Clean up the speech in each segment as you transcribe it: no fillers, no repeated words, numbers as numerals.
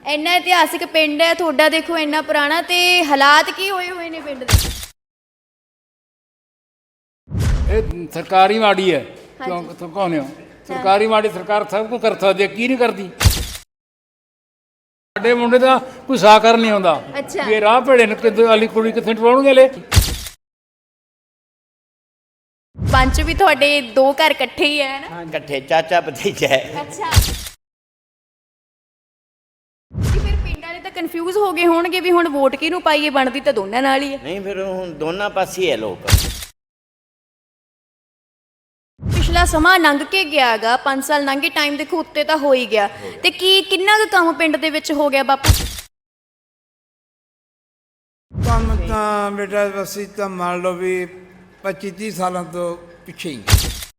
ਇੰਨਾ ਇਤਿਹਾਸਿਕ ਪਿੰਡ ਹੈ ਤੁਹਾਡਾ, ਦੇਖੋ ਇੰਨਾ ਪੁਰਾਣਾ, ਤੇ ਹਾਲਾਤ ਕੀ ਹੋਏ ਨੇ ਪਿੰਡ ਦੇ? ਇਹ ਸਰਕਾਰੀ ਮਾੜੀ ਹੈ। ਕਿਉਂ ਕਹਨੇ ਹੋ? ਸਰਕਾਰੀ ਮਾੜੀ ਸਰਕਾਰ ਸਭ ਕੁਝ ਕਰ ਸਕਦੀ ਹੈ, ਕੀ ਨਹੀਂ ਕਰਦੀ? ਸਾਡੇ ਮੁੰਡੇ ਦਾ ਕੋਈ ਸਾਕਰ ਨਹੀਂ ਆਉਂਦਾ। ਅੱਛਾ। ਇਹ ਰਾਹ ਭੇੜੇ ਨੇ ਕਿਤੇ ਵਾਲੀ ਕੁੜੀ ਕਿੱਥੇ ਟਵਾਉਣਗੇ ਲੈ। ਪੰਚ ਵੀ ਤੁਹਾਡੇ ਦੋ ਘਰ ਇਕੱਠੇ ਹੀ ਹੈ ਨਾ? ਇਕੱਠੇ ਚਾਚਾ ਭਤੀਜਾ ਹੈ। ਅੱਛਾ। ਫਿਰ ਪਿੰਡ ਵਾਲੇ ਤਾਂ ਕਨਫਿਊਜ਼ ਹੋ ਗਏ ਹੋਣਗੇ ਵੀ ਹੁਣ ਵੋਟ ਕਿਹਨੂੰ ਪਾਈਏ, ਬਣਦੀ ਤਾਂ ਦੋਨਾਂ ਨਾਲ ਹੀ ਹੈ। ਨਹੀਂ, ਫਿਰ ਹੁਣ ਦੋਨਾਂ ਪਾਸੇ ਹੈ ਲੋਕ। ਪਿਛਲਾ ਸਮਾਂ ਲੰਘ ਕੇ ਗਿਆ ਗਾ, 5 ਸਾਲ ਲੰਘੇ, ਟਾਈਮ ਦੇਖੋ ਉੱਤੇ ਤਾਂ ਹੋ ਹੀ ਗਿਆ, ਤੇ ਕਿੰਨਾ ਕੁ ਕੰਮ ਪਿੰਡ ਦੇ ਵਿੱਚ ਹੋ ਗਿਆ ਬਾਪੂ? ਕੰਮ ਤਾਂ ਬੇਟਾ ਅਸੀਂ ਤਾਂ ਮੰਨ ਲਓ ਵੀ 25-30 ਸਾਲਾਂ ਤੋਂ ਪਿੱਛੇ ਹੀ।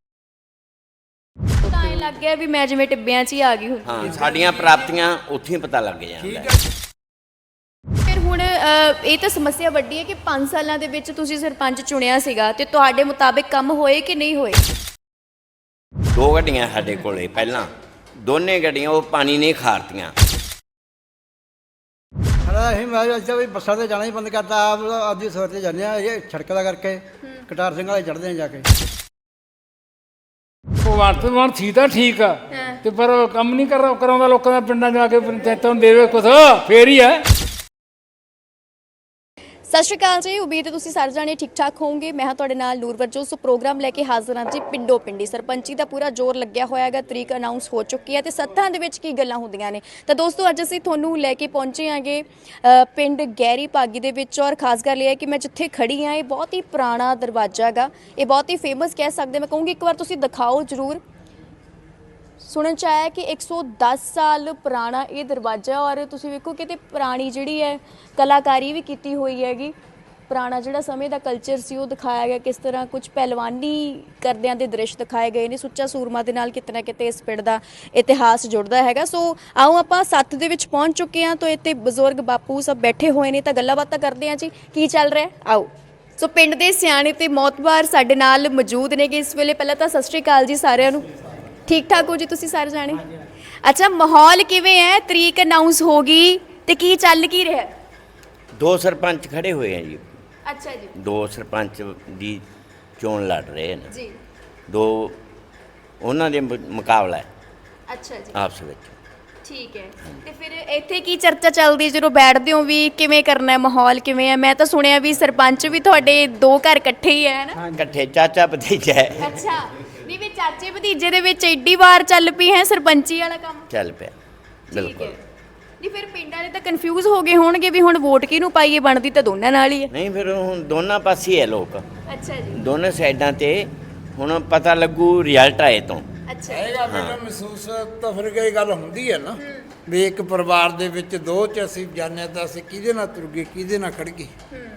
ਤਾਂ ਇਹ ਲੱਗ ਗਿਆ ਵੀ ਮੈਂ ਜਿਵੇਂ ਟਿੱਬਿਆਂ 'ਚ ਹੀ ਆ ਗਈ ਹੁਣ। ਹਾਂ, ਸਾਡੀਆਂ ਪ੍ਰਾਪਤੀਆਂ ਉੱਥੇ ਹੀ ਪਤਾ ਲੱਗ ਜਾਂਦਾ। ਫਿਰ ਹੁਣ ਇਹ ਤਾਂ ਸਮੱਸਿਆ ਵੱਡੀ ਹੈ ਕਿ 5 ਸਾਲਾਂ ਦੇ ਵਿੱਚ ਤੁਸੀਂ ਸਰਪੰਚ ਚੁਣਿਆ ਸੀਗਾ, ਤੇ ਤੁਹਾਡੇ ਮੁਤਾਬਿਕ ਕੰਮ ਹੋਏ ਕਿ ਨਹੀਂ ਹੋਏ? 2 ਗੱਡੀਆਂ ਸਾਡੇ ਕੋਲੇ ਪਹਿਲਾਂ, ਦੋਨੇ ਗੱਡੀਆਂ ਉਹ ਪਾਣੀ ਨਹੀਂ ਖਾਰਤੀਆਂ। ਅਸੀਂ ਮੈਂ ਅੱਛਾ ਵੀ ਬੱਸਾਂ 'ਤੇ ਜਾਣਾ ਹੀ ਬੰਦ ਕਰਤਾ, ਆਪ ਆਪਦੀ ਸਵੇਰ 'ਤੇ ਜਾਂਦੇ ਆ, ਇਹ ਸੜਕ ਦਾ ਕਰਕੇ ਕਟਾਰ ਸਿੰਘ ਵਾਲੇ ਚੜ੍ਹਦੇ ਆ ਜਾ ਕੇ। ਭਗਵੰਤ ਮਾਨ ਸੀ ਤਾਂ ਠੀਕ ਆ, ਤੇ ਪਰ ਉਹ ਕੰਮ ਨਹੀਂ ਕਰਾਉਂਦਾ ਲੋਕਾਂ ਦਾ, ਪਿੰਡਾਂ ਜਾ ਕੇ ਪੰਚਾਇਤਾਂ ਨੂੰ ਦੇਵੇ ਕੁਛ, ਫੇਰ ਹੀ ਹੈ। ਸਤਿ ਸ਼੍ਰੀ ਅਕਾਲ ਜੀ, ਉਮੀਦ ਹੈ ਤੁਸੀਂ ਸਾਰੇ ਜਾਣੇ ਠੀਕ ਠਾਕ ਹੋਵੋਗੇ। ਮੈਂ ਹਾਂ ਤੁਹਾਡੇ ਨਾਲ ਨੂਰ ਵਰਜੋ। ਸੋ ਪ੍ਰੋਗਰਾਮ ਲੈ ਕੇ ਹਾਜ਼ਰ ਹਾਂ ਜੀ ਪਿੰਡੋ ਪਿੰਡੀ। ਸਰਪੰਚੀ ਦਾ ਪੂਰਾ ਜ਼ੋਰ ਲੱਗਿਆ ਹੋਇਆ ਹੈਗਾ, ਤਰੀਕ ਅਨਾਉਂਸ ਹੋ ਚੁੱਕੀ ਹੈ, ਤੇ ਸੱਥਾਂ ਦੇ ਵਿੱਚ ਕੀ ਗੱਲਾਂ ਹੁੰਦੀਆਂ ਨੇ। ਤਾਂ ਦੋਸਤੋ ਅੱਜ ਅਸੀਂ ਤੁਹਾਨੂੰ ਲੈ ਕੇ ਪਹੁੰਚੇ ਆਂਗੇ ਪਿੰਡ ਗਹਿਰੀ ਭਾਗੀ ਦੇ ਵਿੱਚ, ਔਰ ਖਾਸ ਗੱਲ ਇਹ ਹੈ ਕਿ ਮੈਂ ਜਿੱਥੇ ਖੜੀ ਹਾਂ ਇਹ ਬਹੁਤ ਹੀ ਪੁਰਾਣਾ ਦਰਵਾਜ਼ਾ ਹੈਗਾ, ਇਹ ਬਹੁਤ ਹੀ ਫੇਮਸ ਕਹਿ ਸਕਦੇ। ਮੈਂ ਕਹੂੰਗੀ ਇੱਕ ਵਾਰ ਤੁਸੀਂ ਦਿਖਾਓ ਜ਼ਰੂਰ। ਸੁਣਨ 'ਚ ਆਇਆ ਕਿ 110 ਸਾਲ ਪੁਰਾਣਾ ਇਹ ਦਰਵਾਜ਼ਾ, ਔਰ ਤੁਸੀਂ ਵੇਖੋ ਕਿਤੇ ਪੁਰਾਣੀ ਜਿਹੜੀ ਹੈ ਕਲਾਕਾਰੀ ਵੀ ਕੀਤੀ ਹੋਈ ਹੈਗੀ। ਪੁਰਾਣਾ ਜਿਹੜਾ ਸਮੇਂ ਦਾ ਕਲਚਰ ਸੀ ਉਹ ਦਿਖਾਇਆ ਗਿਆ, ਕਿਸ ਤਰ੍ਹਾਂ ਕੁਝ ਪਹਿਲਵਾਨੀ ਕਰਦਿਆਂ ਦੇ ਦ੍ਰਿਸ਼ ਦਿਖਾਏ ਗਏ ਨੇ। ਸੁੱਚਾ ਸੂਰਮਾ ਦੇ ਨਾਲ ਕਿਤੇ ਨਾ ਕਿਤੇ ਇਸ ਪਿੰਡ ਦਾ ਇਤਿਹਾਸ ਜੁੜਦਾ ਹੈਗਾ। ਸੋ ਆਓ ਆਪਾਂ ਸੱਥ ਦੇ ਵਿੱਚ ਪਹੁੰਚ ਚੁੱਕੇ ਹਾਂ, ਤਾਂ ਇੱਥੇ ਬਜ਼ੁਰਗ ਬਾਪੂ ਸਭ ਬੈਠੇ ਹੋਏ ਨੇ, ਤਾਂ ਗੱਲਾਂ ਬਾਤਾਂ ਕਰਦੇ ਹਾਂ ਜੀ ਕੀ ਚੱਲ ਰਿਹਾ। ਆਓ। ਸੋ ਪਿੰਡ ਦੇ ਸਿਆਣੇ ਤੇ ਮੌਤਬਾਰ ਸਾਡੇ ਨਾਲ ਮੌਜੂਦ ਨੇਗੇ ਇਸ ਵੇਲੇ। ਪਹਿਲਾਂ ਤਾਂ ਸਤਿ ਸ਼੍ਰੀ ਅਕਾਲ ਜੀ ਸਾਰਿਆਂ ਨੂੰ। ਠੀਕ ਠਾਕ ਹੋ ਜੀ ਤੁਸੀਂ ਸਾਰੇ ਜਾਣੇ? ਅੱਛਾ, ਮਾਹੌਲ ਕਿਵੇਂ ਹੈ? ਤਰੀਕ ਅਨਾਉਂਸ ਹੋ ਗਈ ਤੇ ਕੀ ਚੱਲ ਕੀ ਰਿਹਾ? 2 ਸਰਪੰਚ ਖੜੇ ਹੋਏ ਆ ਜੀ। ਅੱਛਾ ਜੀ। 2 ਸਰਪੰਚ ਦੀ ਚੋਣ ਲੜ ਰਹੇ ਨੇ ਜੀ। 2 ਉਹਨਾਂ ਦੇ ਮੁਕਾਬਲਾ ਹੈ ਅੱਛਾ ਜੀ, ਆਪਸ ਵਿੱਚ। ਠੀਕ ਹੈ। ਤੇ ਫਿਰ ਇੱਥੇ ਕੀ ਚਰਚਾ ਚੱਲਦੀ ਜਦੋਂ ਬੈਠਦੇ ਹੋ ਵੀ ਕਿਵੇਂ ਕਰਨਾ ਹੈ, ਮਾਹੌਲ ਕਿਵੇਂ ਹੈ? ਮੈਂ ਤਾਂ ਸੁਣਿਆ ਵੀ ਸਰਪੰਚ ਵੀ ਤੁਹਾਡੇ 2 ਘਰ ਇਕੱਠੇ ਹੀ ਹੈ ਨਾ? ਇਕੱਠੇ ਚਾਚਾ ਭਤੀਜਾ ਹੈ। ਅੱਛਾ। ਨਹੀਂ ਵੀ ਚਾਚੇ ਭਤੀਜੇ ਦੇ ਵਿੱਚ ਐਡੀ ਵਾਰ ਚੱਲ ਪਈ ਹੈ ਸਰਪੰਚੀ ਵਾਲਾ ਕੰਮ? ਚੱਲ ਪਿਆ ਠੀਕ ਬਿਲਕੁਲ। ਹੈ। ਨਹੀਂ ਫਿਰ ਪਿੰਡ ਵਾਲੇ ਤਾਂ ਕਨਫਿਊਜ਼ ਹੋ ਗਏ ਹੋਣਗੇ ਵੀ ਹੁਣ ਵੋਟ ਕਿਹਨੂੰ ਪਾਈਏ, ਬਣਦੀ ਤਾਂ ਦੋਨਾਂ ਨਾਲ ਹੀ ਹੈ। ਨਹੀਂ, ਫਿਰ ਹੁਣ ਦੋਨਾਂ ਪਾਸੇ ਹੈ ਲੋਕ, ਅੱਛਾ ਜੀ। ਦੋਨੇ ਸਾਈਡਾਂ ਤੇ ਹੁਣ ਪਤਾ ਲੱਗੂ ਰਿਜ਼ਲਟ ਆਏ ਤੋਂ। ਅੱਛਾ। ਹੈਗਾ ਬੇਟਾ ਮਹਿਸੂਸ ਤਾਂ ਫਿਰ ਇਹ ਗੱਲ ਹੁੰਦੀ ਹੈ ਨਾ ਵੀ ਇੱਕ ਪਰਿਵਾਰ ਦੇ ਵਿੱਚ 2 'ਚ ਅਸੀਂ ਜਾਣਿਆ ਤਾਂ ਅਸੀਂ ਕਿਹਦੇ ਨਾਲ ਤੁਰ ਗਏ, ਕਿਹਦੇ ਨਾਲ ਖੜ ਗਏ।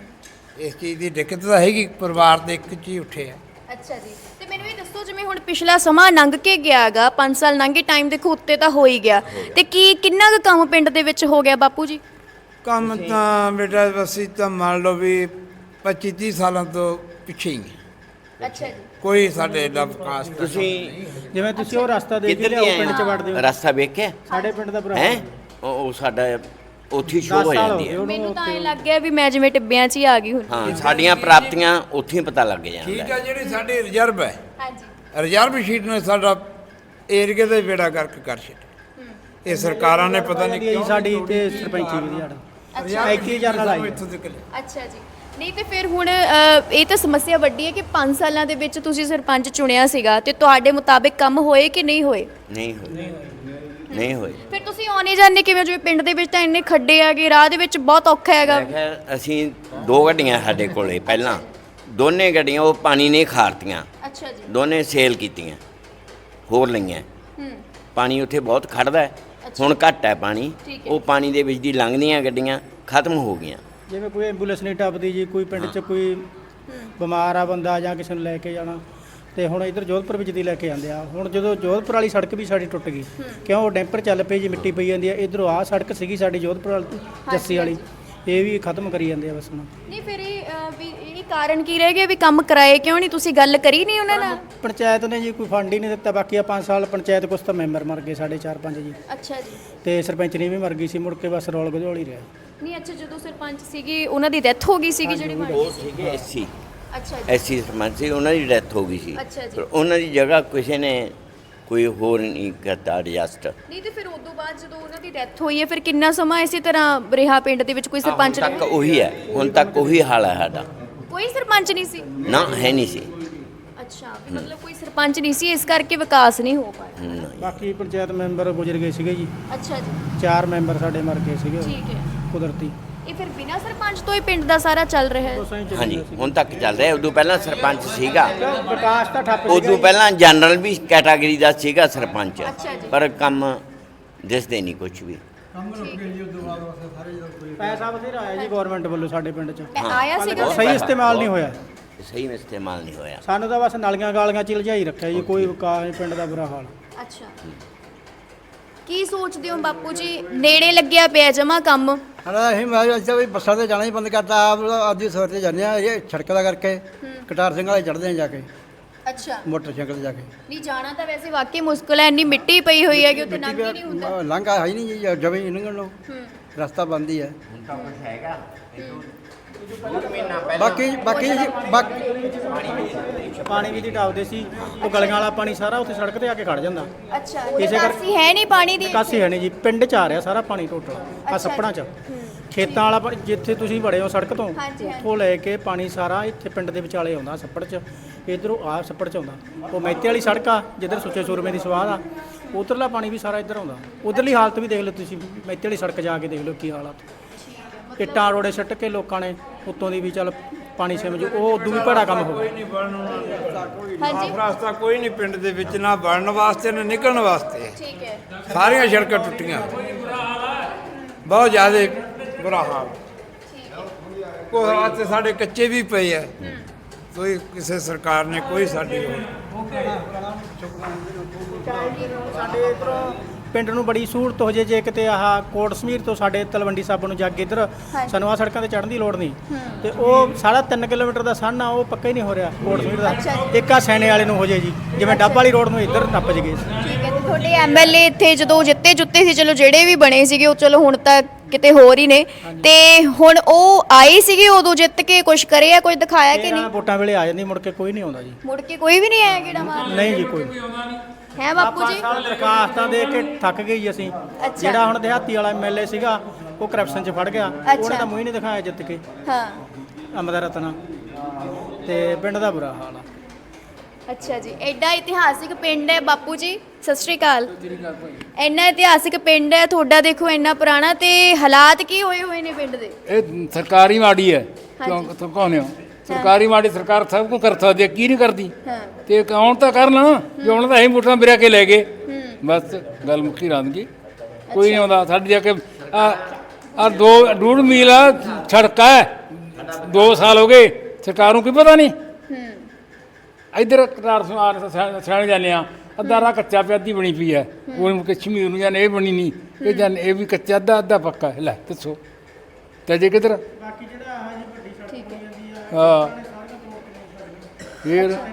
ਇਸ ਚੀਜ਼ ਦੀ ਦਿੱਕਤ ਤਾਂ ਹੈਗੀ, ਪਰਿਵਾਰ ਦੇ ਇੱਕ 'ਚ ਹੀ ਉੱਠੇ ਆ। ਅੱਛਾ ਜੀ। ਤੇ ਮੈਨੂੰ ਇਹ ਦੱਸੋ, ਜਿਵੇਂ ਹੁਣ ਪਿਛਲਾ ਸਮਾਂ ਲੰਘ ਕੇ ਗਿਆ ਗਾ, 5 ਸਾਲ ਲੰਘੇ, ਟਾਈਮ ਦੇਖੋ ਉੱਤੇ ਤਾਂ ਹੋ ਹੀ ਗਿਆ, ਤੇ ਕਿੰਨਾ ਕੁ ਕੰਮ ਪਿੰਡ ਦੇ ਵਿੱਚ ਹੋ ਗਿਆ ਬਾਪੂ ਜੀ? ਕੰਮ ਤਾਂ ਬੇਟਾ ਅਸੀਂ ਤਾਂ ਮੰਨ ਲਓ ਵੀ 25-30 ਸਾਲਾਂ ਤੋਂ ਪਿੱਛੇ ਹੀ। ਅੱਛਾ ਜੀ। ਕੋਈ ਸਾਡੇ ਦਾ ਵਿਕਾਸ ਤੁਸੀਂ ਜਿਵੇਂ ਤੁਸੀਂ ਉਹ ਰਸਤਾ ਦੇਖ ਕਿੱਧਰ ਲਿਆ ਦੀ ਪਿੰਡ 'ਚ ਵੜਦੇ ਹੋ, ਰਸਤਾ ਵੇਖਿਆ ਸਾਡੇ ਪਿੰਡ ਦਾ ਭਰਾ ਹੈ? ਉਹ ਸਾਡਾ ਉੱਥੇ ਸ਼ੋਅ 10 ਹੋ ਸਾਲ ਜਾਂਦੀ ਹੋ ਹੈ। ਗਏ ਮੈਨੂੰ ਤਾਂ ਇਹ ਲੱਗ ਗਿਆ ਵੀ ਮੈਂ ਜਿਵੇਂ ਟਿੱਬਿਆਂ 'ਚ ਹੀ ਆ ਗਈ ਹੁਣ। ਹਾਂ, ਸਾਡੀਆਂ ਪ੍ਰਾਪਤੀਆਂ ਉੱਥੇ ਹੀ ਪਤਾ ਲੱਗ ਠੀਕ ਜਾਂਦਾ। ਹੈ। ਜਿਹੜੀ ਸਾਡੀ ਰਿਜ਼ਰਵ ਹੈ, ਹਾਂਜੀ। ਰਿਜ਼ਰਵ ਸ਼ੀਟ ਨੇ ਸਾਡਾ ਏਰੀਏ ਦਾ ਹੀ ਬੇੜਾ ਗਰਕ ਕਰ ਛੱਡਿਆ। ਇਹ ਸਰਕਾਰਾਂ ਨੇ ਪਤਾ ਨਹੀਂ ਕਿਉਂ ਸਾਡੀ ਤੇ ਸਰਪੰਚੀ ਵੀ ਸਾਡਾ 21,000 ਨਾਲ ਆਈ। ਇੱਥੋਂ ਤੱਕ ਲਿਆ। ਅੱਛਾ ਜੀ। ਨਹੀਂ ਤੇ ਫਿਰ ਹੁਣ ਇਹ ਤਾਂ ਸਮੱਸਿਆ ਵੱਡੀ ਹੈ ਕਿ 5 ਸਾਲਾਂ ਦੇ ਵਿੱਚ ਤੁਸੀਂ ਸਰਪੰਚ ਚੁਣਿਆ ਸੀਗਾ, ਤੇ ਤੁਹਾਡੇ ਮੁਤਾਬਿਕ ਕੰਮ ਹੋਏ ਕਿ ਨਹੀਂ ਹੋਏ? ਨਹੀਂ ਹੋਏ, ਨਹੀਂ ਹੋਏ। ਫਿਰ ਤੁਸੀਂ ਆਉਣੇ ਜਾਂਦੇ ਕਿਵੇਂ? ਜਿਵੇਂ ਪਿੰਡ ਦੇ ਵਿੱਚ ਤਾਂ ਇੰਨੇ ਖੱਡੇ ਆਗੇ, ਰਾਹ ਦੇ ਵਿੱਚ ਬਹੁਤ ਔਖਾ ਹੈਗਾ। ਮੈਂ ਕਿਹਾ ਅਸੀਂ 2 ਗੱਡੀਆਂ ਸਾਡੇ ਕੋਲੇ ਪਹਿਲਾਂ, ਦੋਨੇ ਗੱਡੀਆਂ ਉਹ ਪਾਣੀ ਨਹੀਂ ਖਾਰਤੀਆਂ, ਅੱਛਾ ਜੀ। ਦੋਨੇ ਸੇਲ ਕੀਤੀਆਂ, ਹੋਰ ਲਈਆਂ। ਪਾਣੀ ਉੱਥੇ ਬਹੁਤ ਖੜਦਾ ਹੈ, ਹੁਣ ਘੱਟ ਹੈ ਪਾਣੀ। ਠੀਕ ਹੈ। ਉਹ ਪਾਣੀ ਦੇ ਵਿੱਚ ਦੀ ਲੰਘਦੀਆਂ ਗੱਡੀਆਂ ਖਤਮ ਹੋ ਗਈਆਂ। ਜਿਵੇਂ ਕੋਈ ਐਂਬੂਲੈਂਸ ਨਹੀਂ ਟੱਪਦੀ ਜੀ, ਕੋਈ ਪਿੰਡ 'ਚ ਕੋਈ ਬਿਮਾਰ ਆ ਬੰਦਾ ਜਾਂ ਕਿਸੇ ਨੂੰ ਲੈ ਕੇ ਜਾਣਾ, ਤੇ ਹੁਣ ਇੱਧਰ ਜੋਧਪੁਰ ਵਿੱਚ ਦੀ ਲੈ ਕੇ ਜਾਂਦੇ ਆ। ਹੁਣ ਜਦੋਂ ਜੋਧਪੁਰ ਵਾਲੀ ਸੜਕ ਵੀ ਸਾਡੀ ਟੁੱਟ ਗਈ, ਕਿਉਂ ਉਹ ਡੈਂਪਰ ਚੱਲ ਪਈ ਜੀ, ਮਿੱਟੀ ਪਈ ਜਾਂਦੀ ਆ। ਇੱਧਰੋਂ ਆਹ ਸੜਕ ਸੀਗੀ ਸਾਡੀ ਜੋਧਪੁਰ ਵਾਲੀ ਜੱਸੀ ਵਾਲੀ, ਇਹ ਵੀ ਖਤਮ ਕਰੀ ਜਾਂਦੇ ਆ ਬਸ ਹੁਣ। ਨਹੀਂ ਫਿਰ ਵੀ ਇਹ ਕਾਰਨ ਕੀ ਰਹਿ ਗਿਆ ਵੀ ਕੰਮ ਕਰਾਏ ਕਿਉਂ ਨਹੀਂ, ਤੁਸੀਂ ਗੱਲ ਕਰੀ ਨਹੀਂ ਉਹਨਾਂ ਨਾਲ? ਪੰਚਾਇਤ ਨੇ ਜੀ ਕੋਈ ਫੰਡ ਹੀ ਨਹੀਂ ਦਿੱਤਾ। ਬਾਕੀ ਆ 5 ਸਾਲ ਪੰਚਾਇਤ ਕੁਛ ਤਾਂ ਮੈਂਬਰ ਮਰ ਗਏ, ਸਾਡੇ 4-5 ਜੀ, ਅੱਛਾ ਜੀ। ਤੇ ਸਰਪੰਚ ਨੇ ਵੀ ਮਰ ਗਈ ਸੀ, ਮੁੜ ਕੇ ਬਸ ਰੌਲ ਗਧੋਲ ਹੀ ਰਿਹਾ। ਨਹੀਂ ਅੱਛਾ, ਜਦੋਂ ਸਰਪੰਚ ਸੀਗੀ ਉਹਨਾਂ ਦੀ ਡੈਥ ਹੋ ਗਈ ਸੀਗੀ ਜਿਹੜੀ ਬਣ ਉਹ ਗਈ ਸੀ। ਸੀਗੇ ਐਸਸੀ ਅੱਛਾ ਜੀ। ਐਸਸੀ ਸਰਪੰਚ ਸੀ, ਉਹਨਾਂ ਦੀ ਡੈਥ ਹੋ ਗਈ ਸੀ। ਅੱਛਾ ਜੀ। ਪਰ ਉਹਨਾਂ ਦੀ ਜਗ੍ਹਾ ਕਿਸੇ ਨੇ ਕੋਈ ਹੋਰ ਨਹੀਂ ਕਰਤਾ ਐਡਜਸਟ। ਨਹੀਂ ਤੇ ਫਿਰ ਉਦੋਂ ਬਾਅਦ ਜਦੋਂ ਉਹਨਾਂ ਦੀ ਡੈਥ ਹੋਈ ਹੈ ਫਿਰ ਕਿੰਨਾ ਸਮਾਂ ਇਸੇ ਤਰ੍ਹਾਂ ਰਿਹਾ ਪਿੰਡ ਦੇ ਵਿੱਚ ਕੋਈ ਸਰਪੰਚ ਤੱਕ ਉਹੀ ਹੈ, ਹੁਣ ਤੱਕ ਉਹੀ ਹਾਲ ਹੈ ਸਾਡਾ। ਕੋਈ ਸਰਪੰਚ ਨਹੀਂ ਸੀ? ਨਾ ਹੈ ਨਹੀਂ ਸੀ। ਅੱਛਾ, ਵੀ ਮਤਲਬ ਕੋਈ ਸਰਪੰਚ ਨਹੀਂ ਸੀ, ਇਸ ਕਰਕੇ ਵਿਕਾਸ ਨਹੀਂ ਹੋ ਪਾਇਆ। ਨਹੀਂ। ਬਾਕੀ ਪੰਚਾਇਤ ਮੈਂਬਰ ਗੁਜ਼ਰ ਗਏ ਸੀਗੇ ਜੀ, ਅੱਛਾ ਜੀ। 4 ਮੈਂਬਰ ਸਾਡੇ ਮਰ ਗਏ ਸੀਗੇ ਠੀਕ ਹੈ। ਕੁਦਰਤੀ। ਇਹ ਫਿਰ ਬਿਨਾਂ ਸਰਪੰਚ ਤੋਂ ਹੀ ਪਿੰਡ ਦਾ ਸਾਰਾ ਚੱਲ ਰਿਹਾ ਹੈ? ਹਾਂਜੀ, ਹੁਣ ਤੱਕ ਚੱਲ ਰਿਹਾ। ਉਦੋਂ ਪਹਿਲਾਂ ਸਰਪੰਚ ਸੀਗਾ, ਵਿਕਾਸ ਤਾਂ ਠੱਪ ਉਦੋਂ ਪਹਿਲਾਂ ਜਨਰਲ ਵੀ ਕੈਟਾਗਰੀ ਦਾ ਸੀਗਾ ਸਰਪੰਚ, ਅੱਛਾ ਜੀ। ਪਰ ਕੰਮ ਦਿਸਦੇ ਨਹੀਂ ਕੁਝ ਵੀ। ਪੈਸਾ ਬਥੇਰਾ ਆਇਆ ਜੀ ਗਵਰਨਮੈਂਟ ਵੱਲੋਂ ਸਾਡੇ ਪਿੰਡ 'ਚ, ਆਇਆ ਸੀਗਾ? ਸਹੀ ਇਸਤੇਮਾਲ ਨਹੀਂ ਹੋਇਆ। ਸਹੀ ਇਸਤੇਮਾਲ ਨਹੀਂ ਹੋਇਆ। ਸਾਨੂੰ ਤਾਂ ਬਸ ਨਾਲੀਆਂ ਗਾਲੀਆਂ ਚ ਲਜਾਈ ਰੱਖਿਆ ਜੀ, ਕੋਈ ਵਿਕਾਸ ਨਹੀਂ, ਪਿੰਡ ਦਾ ਬੁਰਾ ਹਾਲ। ਅੱਛਾ, ਕੀ ਸੋਚਦੇ ਹੋ ਬਾਪੂ ਜੀ, ਨੇੜੇ ਲੱਗਿਆ ਪਿਆ ਜਮਾ ਕੰਮ? ਹਾਂ ਅਸੀਂ ਮੈਂ ਅੱਛਾ ਵੀ ਬੱਸਾਂ ਤੇ ਜਾਣਾ ਹੀ ਬੰਦ ਕਰਤਾ, ਆਪ ਆਦੀ ਸਵੇਰ ਤੇ ਜਾਂਦੇ ਆ, ਇਹ ਸੜਕ ਦਾ ਕਰਕੇ ਕਟਾਰ ਸਿੰਘ ਵਾਲੇ ਚੜ੍ਹਦੇ ਆ ਜਾ ਕੇ ਅੱਛਾ, ਮੋਟਰਸਾਈਕਲ ਤੇ ਜਾ ਕੇ। ਨਹੀਂ ਜਾਣਾ ਤਾਂ ਵੈਸੇ ਵਾਕਈ ਮੁਸ਼ਕਲ ਹੈ, ਇੰਨੀ ਮਿੱਟੀ ਪਈ ਹੋਈ ਹੈ ਕਿ ਉੱਥੇ ਲੰਘ ਹੀ ਨਹੀਂ ਹੁੰਦਾ। ਲੰਘਾ ਹੈ ਹੀ ਨਹੀਂ ਜੀ, ਜਵੇਂ ਹੀ ਲੰਘਣ ਨੂੰ ਰਸਤਾ ਬੰਦ ਹੀ ਹੈ। ਹੁਣ ਤਾਂ ਕੁਝ ਹੈਗਾ। ਬਾਕੀ ਬਾਕੀ ਪਾਣੀ ਵੀ ਦੀ ਟਾਪਦੇ ਸੀ, ਉਹ ਗਲੀਆਂ ਵਾਲਾ ਪਾਣੀ ਸਾਰਾ ਉੱਥੇ ਸੜਕ ਤੇ ਆ ਕੇ ਖੜ ਜਾਂਦਾ। ਅੱਛਾ, ਇਸੇ ਕਰਕੇ- ਨਿਕਾਸੀ ਹੈ ਨਹੀਂ ਪਾਣੀ ਦੀ? ਨਿਕਾਸੀ ਹੈ ਨਹੀਂ ਜੀ, ਪਿੰਡ 'ਚ ਆ ਰਿਹਾ ਸਾਰਾ ਪਾਣੀ ਟੋਟਲ ਆ ਸੱਪੜਾਂ 'ਚ। ਖੇਤਾਂ ਵਾਲਾ ਪਾਣੀ ਜਿੱਥੇ ਤੁਸੀਂ ਵੜੇ ਹੋ ਸੜਕ ਤੋਂ, ਹਾਂਜੀ, ਹਾਂਜੀ। ਉੱਥੋਂ ਲੈ ਕੇ ਪਾਣੀ ਸਾਰਾ ਇੱਥੇ ਪਿੰਡ ਦੇ ਵਿਚਾਲੇ ਆਉਂਦਾ ਸੱਪੜ 'ਚ। ਇਧਰੋਂ ਆ ਸੱਪੜ 'ਚ ਆਉਂਦਾ, ਉਹ ਮੈਤੇ ਵਾਲੀ ਸੜਕ ਆ ਜਿੱਧਰ ਸੁੱਚੇ ਸੂਰਮੇ ਦੀ ਸਵਾਦ ਆ, ਉਧਰਲਾ ਪਾਣੀ ਵੀ ਸਾਰਾ ਇੱਧਰ ਆਉਂਦਾ। ਉਧਰਲੀ ਹਾਲਤ ਵੀ ਦੇਖ ਲਓ ਤੁਸੀਂ, ਮੈਤੇ ਵਾਲੀ ਸੜਕ ਜਾ ਕੇ ਦੇਖ ਲਓ ਕੀ ਹਾਲਤ। ਇੱਟਾਂ ਰੋੜੇ ਸੱਟ ਕੇ ਲੋਕਾਂ ਨੇ ਉੱਤੋਂ ਦੀ ਵੀ ਚੱਲ ਪਾਣੀ ਸਿਮ ਜੋ ਉਹ ਉਦੋਂ ਵੀ ਭੜਾ ਕੰਮ ਹੋ ਗਿਆ। ਹਾਂਜੀ, ਰਸਤਾ ਕੋਈ ਨਹੀਂ ਪਿੰਡ ਦੇ ਵਿੱਚ, ਨਾ ਬਣਨ ਵਾਸਤੇ ਨਾ ਨਿਕਲਣ ਵਾਸਤੇ। ਠੀਕ ਹੈ। ਸਾਰੀਆਂ ਸੜਕਾਂ ਟੁੱਟੀਆਂ, ਬਹੁਤ ਜ਼ਿਆਦਾ ਬੁਰਾ ਹਾਲ। ਕੋਈ ਵਾਸਤੇ ਸਾਡੇ ਕੱਚੇ ਵੀ ਪਏ ਆ, ਕੋਈ ਕਿਸੇ ਸਰਕਾਰ ਨੇ ਕੋਈ ਸਾਡੀ ਸਾਡੇ ਇਧਰੋਂ ਪਿੰਡ ਨੂੰ ਬੜੀ ਸਹੂਲਤ ਹੋ ਜੇ, ਜੇ ਕਿਤੇ ਆਹ ਕੋਟ ਸਮੀਰ ਤੋਂ ਸਾਡੇ ਤਲਵੰਡੀ ਸਾਬੋ ਨੂੰ ਜਾ ਕੇ ਇੱਧਰ ਸਾਨੂੰ ਆਹ ਸੜਕਾਂ ਤੇ ਚੜ੍ਹਨ ਦੀ ਲੋੜ ਨਹੀਂ। ਤੇ ਉਹ ਸਾਰਾ 3 ਕਿਲੋਮੀਟਰ ਦਾ ਸੰਨ ਆ, ਉਹ ਪੱਕਾ ਹੀ ਨਹੀਂ ਹੋ ਰਿਹਾ ਕੋਟ ਸਮੀਰ ਦਾ। ਇੱਕ ਆ ਸੈਣੇ ਵਾਲੇ ਨੂੰ ਹੋ ਜੇ ਜੀ, ਜਿਵੇਂ ਡੱਬ ਵਾਲੀ ਰੋਡ ਨੂੰ ਇੱਧਰ ਟੱਪ ਜਗੇ। ਠੀਕ ਹੈ, ਤੇ ਤੁਹਾਡੇ ਐਮਐਲਏ ਇੱਥੇ ਜਦੋਂ ਜਿੱਤੇ ਜੁੱਤੇ ਸੀ, ਚਲੋ ਜਿਹੜੇ ਵੀ ਬਣੇ ਸੀਗੇ ਉਹ ਚਲੋ ਹੁਣ ਤਾਂ ਕਿਤੇ ਹੋਰ ਹੀ ਨੇ, ਤੇ ਹੁਣ ਉਹ ਆਏ ਸੀਗੇ ਉਦੋਂ ਜਿੱਤ ਕੇ ਕੁਝ ਕਰਿਆ, ਕੁਝ ਦਿਖਾਇਆ ਕਿ ਨਹੀਂ? ਵੋਟਾਂ ਵੇਲੇ ਆ ਜਾਂਦੀ, ਮੁੜ ਕੇ ਕੋਈ ਨਹੀਂ ਆਉਂਦਾ ਜੀ। ਮੁੜ ਕੇ ਕੋਈ ਵੀ ਨਹੀਂ ਆਇਆ ਕਿਹੜਾ ਮਾਰ? ਨਹੀਂ ਜੀ, ਕੋਈ ਹੈ ਬਾਪੂ ਜੀ? ਦਰਖਾਸਤਾਂ ਦੇ ਕੇ ਥੱਕ ਗਏ ਜੀ ਅਸੀਂ। ਜਿਹੜਾ ਹੁਣ ਦਿਹਾਤੀ ਵਾਲਾ ਐਮਐਲਏ ਸੀਗਾ, ਉਹ ਕਰਪਸ਼ਨ 'ਚ ਫੜ ਗਿਆ, ਉਹਨੇ ਤਾਂ ਮੂੰਹ ਹੀ ਨਹੀਂ ਦਿਖਾਇਆ ਜਿੱਤ ਕੇ। ਹਾਂ, ਅੰਮ੍ਰਿਤਾ ਰਤਨਾ ਤੇ ਪਿੰਡ ਦਾ ਬੁਰਾ ਹਾਲ ਆ। ਅੱਛਾ ਜੀ, ਐਡਾ ਇਤਿਹਾਸਿਕ ਪਿੰਡ ਹੈ ਬਾਪੂ ਜੀ, ਸਤਿ ਸ਼੍ਰੀ ਅਕਾਲ। ਇੰਨਾ ਇਤਿਹਾਸਿਕ ਪਿੰਡ ਹੈ ਤੁਹਾਡਾ, ਦੇਖੋ ਇੰਨਾ ਪੁਰਾਣਾ, ਤੇ ਹਾਲਾਤ ਕੀ ਹੋਏ ਹੋਏ ਨੇ ਪਿੰਡ ਦੇ? ਇਹ ਸਰਕਾਰੀ ਮਾੜੀ ਹੈ, ਕਿਉਂ ਕਹਨੇ ਹੋ? ਸਰਕਾਰੀ ਮਾੜੀ ਸਰਕਾਰ ਸਭ ਕੁਝ ਕਰ ਸਕਦੀ ਹੈ, ਕੀ ਨਹੀਂ ਕਰਦੀ? ਹਾਂ, ਤੇ ਕੌਣ ਤਾਂ ਕਰਨ, ਜੇ ਉਹਨਾਂ ਦਾ ਅਸੀਂ ਵੋਟਾਂ ਬਿਰਾ ਕੇ ਲੈ ਗਏ, ਬਸ ਗੱਲ ਮੁੱਕੀ ਰਾਂਦਗੀ। ਕੋਈ ਨਹੀਂ ਆਉਂਦਾ ਸਾਡੇ ਜਾ ਕੇ। ਆ 2.5 ਮੀਲ ਆ ਸੜਕ ਹੈ, 2 ਸਾਲ ਹੋ ਗਏ, ਸਰਕਾਰ ਨੂੰ ਕੋਈ ਪਤਾ ਨਹੀਂ। ਇੱਧਰ ਸਿਆਣੇ ਜਾਂਦੇ ਆ, ਅੱਧਾ ਰਾਹ ਕੱਚਾ ਪਿਆ, ਅੱਧੀ ਬਣੀ ਪਈ ਹੈ। ਉਹ ਕਸ਼ਮੀਰ ਨੂੰ ਜਾਣੇ, ਇਹ ਬਣੀ ਨਹੀਂ, ਇਹ ਜਾਣੇ ਇਹ ਵੀ ਕੱਚਾ, ਅੱਧਾ ਪੱਕਾ। ਲੈ ਦੱਸੋ ਤੇ ਜੇ ਕਿੱਧਰ? ਠੀਕ ਹੈ। ਹਾਂ, ਫਿਰ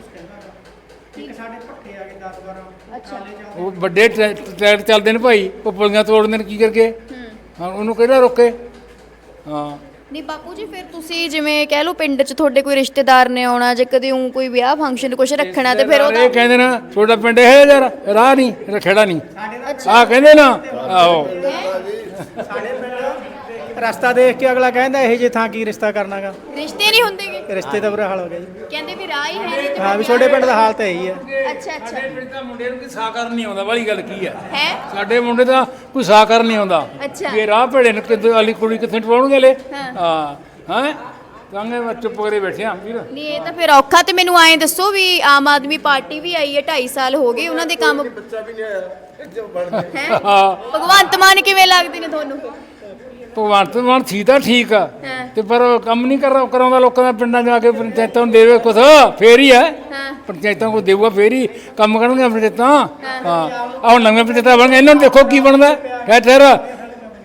ਅੱਛਾ, ਉਹ ਵੱਡੇ ਟਰੈਕਟਰ ਚੱਲਦੇ ਨੇ ਭਾਈ, ਉਹ ਪੁਲੀਆਂ ਤੋੜਦੇ ਨੇ, ਕੀ ਕਰਕੇ? ਹਾਂ, ਉਹਨੂੰ ਕਿਹੜਾ ਰੋਕੇ? ਹਾਂ, ਨਹੀਂ ਬਾਪੂ ਜੀ, ਫਿਰ ਤੁਸੀਂ ਜਿਵੇਂ ਕਹਿ ਲਓ ਪਿੰਡ 'ਚ ਤੁਹਾਡੇ ਕੋਈ ਰਿਸ਼ਤੇਦਾਰ ਨੇ ਆਉਣਾ, ਜੇ ਕਦੇ ਉਹ ਕੋਈ ਵਿਆਹ ਫੰਕਸ਼ਨ ਕੁਝ ਰੱਖਣਾ, ਤੇ ਫਿਰ ਉਹ ਇਹ ਕਹਿੰਦੇ ਨਾ ਤੁਹਾਡਾ ਪਿੰਡ ਇਹ ਯਾਰ ਰਾਹ ਨਹੀਂ, ਰਖੇੜਾ ਨਹੀਂ, ਆਹ ਕਹਿੰਦੇ ਨਾ। ਆਹੋ, ਰਸਤਾ ਦੇਖ ਕੇ ਅਗਲਾ ਕਹਿੰਦਾ ਇਹ ਜੇ ਥਾਂ ਕੀ ਰਿਸ਼ਤਾ ਕਰਨਾਗਾ। ਰਿਸ਼ਤੇ ਨਹੀਂ ਹੁੰਦੇਗੇ? ਰਿਸ਼ਤੇ ਦਾ ਬੁਰਾ ਹਾਲ ਹੋ ਗਿਆ ਜੀ। ਕਹਿੰਦੇ ਵੀ ਰਾਹ ਹੀ ਹੈ ਨਹੀਂ ਤੇ ਹਾਂ, ਵੀ ਛੋਟੇ ਪਿੰਡ ਦਾ ਹਾਲ ਤਾਂ ਇਹੀ ਹੈ। ਅੱਛਾ ਅੱਛਾ, ਸਾਡੇ ਪਿੰਡ ਦਾ ਮੁੰਡੇ ਨੂੰ ਕੋਈ ਸਾਕਾਰ ਨਹੀਂ ਆਉਂਦਾ, ਵਾਲੀ ਗੱਲ ਕੀ ਹੈ? ਹੈ? ਸਾਡੇ ਮੁੰਡੇ ਦਾ ਕੋਈ ਸਾਕਾਰ ਨਹੀਂ ਆਉਂਦਾ। ਅੱਛਾ। ਇਹ ਰਾਹ ਭੇੜੇ ਨੇ ਕਿਤੇ ਵਾਲੀ ਕੁੜੀ ਕਿੱਥੇ ਟਵਾਉਣਗੇ ਲੈ? ਹਾਂ। ਹਾਂ, ਤਾਂਗੇ ਚੁੱਪ ਕਰੇ ਬੈਠੇ ਆ ਵੀਰ। ਨਹੀਂ ਇਹ ਤਾਂ ਫਿਰ ਔਖਾ। ਤੇ ਮੈਨੂੰ ਐਂ ਦੱਸੋ ਵੀ ਆਮ ਆਦਮੀ ਪਾਰਟੀ ਵੀ ਆਈ ਹੈ, 2.5 ਸਾਲ ਹੋ ਗਏ, ਉਹਨਾਂ ਦੇ ਕੰਮ ਹੈ? ਭਗਵੰਤ ਮਾਨ ਕਿਵੇਂ ਲੱਗਦੇ ਨੇ ਤੁਹਾਨੂੰ? ਭਗਵੰਤ ਮਾਨ ਸੀ ਤਾਂ ਠੀਕ ਆ, ਹਾਂ। ਤੇ ਪਰ ਕੰਮ ਨਹੀਂ ਕਰਾਉਂਦਾ ਲੋਕਾਂ ਦਾ। ਪਿੰਡਾਂ ਜਾ ਕੇ ਪੰਚਾਇਤਾਂ ਨੂੰ ਦੇਵੇ ਕੁਛ, ਫੇਰ ਹੀ ਹੈ। ਹਾਂ, ਪੰਚਾਇਤਾਂ ਕੋ ਦੇਊਗਾ ਫੇਰ ਹੀ ਕੰਮ ਕਰਨਗੇ ਪੰਚਾਇਤਾਂ। ਹਾਂ, ਆਹ ਹੁਣ ਨਵੀਆਂ ਪੰਚਾਇਤਾਂ ਬਣ ਗਈਆਂ, ਇਹਨਾਂ ਨੂੰ ਦੇਖੋ ਕੀ ਬਣਦਾ। ਠਹਿਰ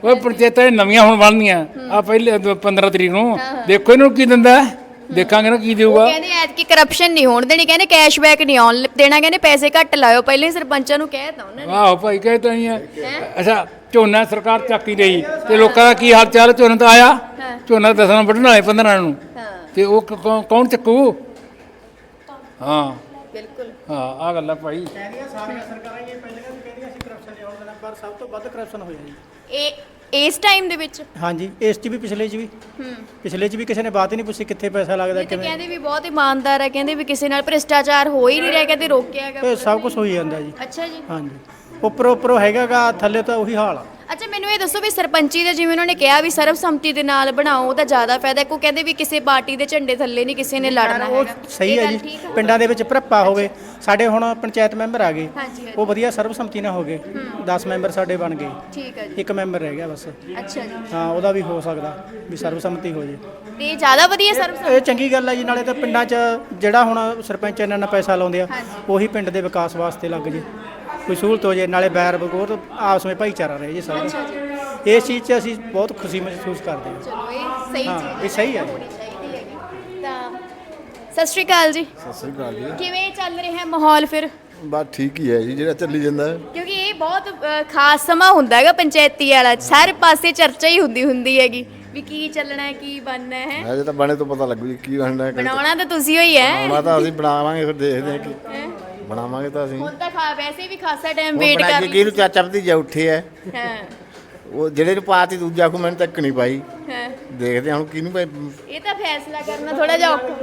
ਉਹ ਪੰਚਾਇਤਾਂ ਇਹ ਨਵੀਆਂ ਹੁਣ ਬਣਨੀਆਂ ਆ ਪਹਿਲੇ 15 ਤਰੀਕ ਨੂੰ ਦੇਖੋ ਇਹਨੂੰ ਕੀ ਦਿੰਦਾ ਹੈ। ਦੇਖਾਂਗੇ ਨਾ ਕੀ ਦੇਊਗਾ। ਕਹਿੰਦੇ ਐਤਕੀ ਕਰਪਸ਼ਨ ਨਹੀਂ ਹੋਣ ਦੇਣੀ, ਕਹਿੰਦੇ ਕੈਸ਼ਬੈਕ ਨਹੀਂ ਆਉਣ ਦੇਣਾ, ਕਹਿੰਦੇ ਪੈਸੇ ਘੱਟ ਲਾਇਓ, ਪਹਿਲੇ ਹੀ ਸਰਪੰਚਾਂ ਨੂੰ ਕਹਿ ਤਾ ਉਹਨਾਂ ਨੇ। ਆਹੋ ਭਾਈ ਕਹੇ ਤਾਂ ਹੀ ਹੈ। ਅੱਛਾ ਝੋਨਾ ਸਰਕਾਰ ਚੱਕ ਹੀ ਰਹੀ ਤੇ ਲੋਕਾਂ ਦਾ ਕੀ ਹਾਲ ਚਾਲ, ਝੋਨਾ ਤਾਂ ਆਇਆ, ਝੋਨਾ 10 ਨੂੰ ਵੱਢਣ ਵਾਲੇ 15 ਨੂੰ, ਤੇ ਉਹ ਕੌਣ ਚੱਕੂ? ਹਾਂ ਬਿਲਕੁਲ ਹਾਂ ਆ ਗੱਲ ਆ ਭਾਈ। ਕਹਿੰਦੀਆਂ ਸਾਰੀਆਂ ਸਰਕਾਰਾਂ ਇਹ ਪਹਿਲਾਂ ਵੀ ਕਹਿੰਦੀਆਂ ਸੀ ਕਰਪਸ਼ਨ ਨਹੀਂ ਹੋਣ ਦੇਣਾ, ਪਰ ਸਭ ਤੋਂ ਵੱਧ ਕਰਪਸ਼ਨ ਹੋਇਆ ਜੀ ਇਸ ਟਾਈਮ ਦੇ ਵਿੱਚ। ਹਾਂਜੀ, ਇਸ 'ਚ ਵੀ ਪਿਛਲੇ 'ਚ ਵੀ ਪਿਛਲੇ 'ਚ ਵੀ ਕਿਸੇ ਨੇ ਬਾਤ ਹੀ ਨਹੀਂ ਪੁੱਛੀ ਕਿੱਥੇ ਪੈਸਾ ਲੱਗਦਾ ਇਹ ਤਾਂ ਕਿਵੇਂ। ਕਹਿੰਦੇ ਵੀ ਬਹੁਤ ਇਮਾਨਦਾਰ ਹੈ, ਕਹਿੰਦੇ ਵੀ ਕਿਸੇ ਨਾਲ ਭ੍ਰਿਸ਼ਟਾਚਾਰ ਹੋ ਹੀ ਨਹੀਂ ਰਿਹਾ, ਕਹਿੰਦੇ ਰੋਕਿਆ ਹੈਗਾ। ਇਹ ਸਭ ਕੁਝ ਹੋਈ ਜਾਂਦਾ ਜੀ। ਅੱਛਾ ਜੀ। ਹਾਂਜੀ, ਉੱਪਰੋਂ ਹੈਗਾਗਾ, ਥੱਲੇ ਤਾਂ ਉਹੀ ਹਾਲ ਆ। ਅੱਛਾ ਮੈਨੂੰ ਇਹ ਦੱਸੋ ਵੀ ਸਰਪੰਚੀ ਦੇ ਜਿਵੇਂ ਉਹਨਾਂ ਨੇ ਕਿਹਾ ਵੀ ਸਰਬਸੰਮਤੀ ਦੇ ਨਾਲ ਬਣਾਓ, ਉਹਦਾ ਜ਼ਿਆਦਾ ਫਾਇਦਾ। ਕੋ ਕਹਿੰਦੇ ਵੀ ਕਿਸੇ ਪਾਰਟੀ ਦੇ ਝੰਡੇ ਥੱਲੇ ਨਹੀਂ ਕਿਸੇ ਨੇ ਲੜਨਾ ਉਹ ਹੈਗਾ। ਸਹੀ ਇਹ ਹੈ ਗੱਲ ਜੀ, ਠੀਕ ਆ? ਪਿੰਡਾਂ ਦੇ ਵਿੱਚ ਭਰਪਾ ਹੋਵੇ। ਸਾਡੇ ਹੁਣ ਪੰਚਾਇਤ ਮੈਂਬਰ ਆ ਗਏ, ਹਾਂਜੀ ਉਹ ਵਧੀਆ ਸਰਬਸੰਮਤੀ ਨਾਲ ਹੋ ਗਏ। 10 ਮੈਂਬਰ ਸਾਡੇ ਬਣ ਗਏ, ਠੀਕ ਹੈ ਜੀ। ਇੱਕ ਮੈਂਬਰ ਰਹਿ ਗਿਆ ਬਸ। ਅੱਛਾ ਜੀ, ਹਾਂ, ਉਹਦਾ ਵੀ ਹੋ ਸਕਦਾ ਵੀ ਸਰਬਸੰਮਤੀ ਹੋ ਜੇ। ਤੇ ਇਹ ਜ਼ਿਆਦਾ ਵਧੀਆ ਸਰਬਸੰਮਤੀ। ਇਹ ਚੰਗੀ ਗੱਲ ਹੈ ਜੀ। ਨਾਲੇ ਤਾਂ ਪਿੰਡਾਂ 'ਚ ਜਿਹੜਾ ਹੁਣ ਸਰਪੰਚ ਇੰਨਾ ਪੈਸਾ ਲਾਉਂਦੇ ਆ, ਉਹੀ ਪਿੰਡ ਦੇ ਵਿਕਾਸ ਵਾਸਤੇ ਲੱਗ ਜੇ, ਕੋਈ ਸਹੂਲਤ ਹੋ ਜੇ, ਨਾਲੇ ਬੈਰ ਬਗੋਰ ਆਪਸ ਵਿੱਚ ਭਾਈਚਾਰਾ ਰਹੇ ਜੀ ਸਾਰੇ। ਇਸ ਚੀਜ਼ 'ਚ ਅਸੀਂ ਬਹੁਤ ਖੁਸ਼ੀ ਮਹਿਸੂਸ ਕਰਦੇ ਹਾਂ। ਚਲੋ ਇਹ ਸਹੀ ਹਾਂ, ਚੀਜ਼ ਇਹ ਸਹੀ ਹੈ। ਹੋਣੀ ਚਾਹੀਦੀ ਹੈਗੀ। ਤਾਂ ਸਤਿ ਸ਼੍ਰੀ ਅਕਾਲ ਜੀ। ਸਤਿ ਸ੍ਰੀ ਅਕਾਲ ਜੀ। ਕਿਵੇਂ ਚੱਲ ਰਿਹਾ ਮਾਹੌਲ ਫਿਰ? ਬਸ ਠੀਕ ਹੀ ਹੈ ਜੀ, ਜਿਹੜਾ ਚੱਲੀ ਜਾਂਦਾ ਹੈ। ਕਿਉਂਕਿ ਇਹ ਬਹੁਤ ਖਾਸ ਸਮਾਂ ਹੁੰਦਾ ਹੈਗਾ ਪੰਚਾਇਤੀ ਵਾਲਾ, ਸਾਰੇ ਪਾਸੇ ਚਰਚਾ ਹੀ ਹੁੰਦੀ ਹੈਗੀ ਵੀ ਕੀ ਚੱਲਣਾ ਹੈ, ਕੀ ਬਣਨਾ ਹੈ। ਅਜੇ ਤਾਂ ਬਣੇ ਤੋਂ ਪਤਾ ਲੱਗੂ ਜੀ ਕੀ ਬਣਨਾ ਹੈ। ਬਣਾਉਣਾ ਤਾਂ ਤੁਸੀਂ ਹੋਈ ਹੈ। ਬਣਾਉਣਾ ਤਾਂ ਅਸੀਂ ਬਣਾਵਾਂਗੇ, ਫਿਰ ਦੇਖਦੇ ਹਾਂ ਕਿ ਬਣਾਵਾਂਗੇ ਤਾਂ ਅਸੀਂ। ਹੁਣ ਤਾਂ ਵੈਸੇ ਵੀ ਖਾਸਾ ਟਾਈਮ ਉਹ ਵੇਟ ਬਣਾ ਕਰ ਕੇ ਕਿਹਨੂੰ ਚਾਚਾ ਭਤੀਜਾ ਉੱਠੇ ਐ, ਹਾਂ ਉਹ ਜਿਹੜੇ ਨੂੰ ਪਾਤੀ ਦੂਜਾ ਕੋ ਮੈਨੂੰ ਤੱਕ ਨਹੀਂ ਪਾਈ। ਹਾਂ ਦੇਖਦੇ ਹਾਂ ਹੁਣ ਕਿਹਨੂੰ ਪਾਈ। ਇਹ ਤਾਂ ਫੈਸਲਾ ਕਰਨਾ ਥੋੜਾ ਜਿਹਾ ਔਖਾ।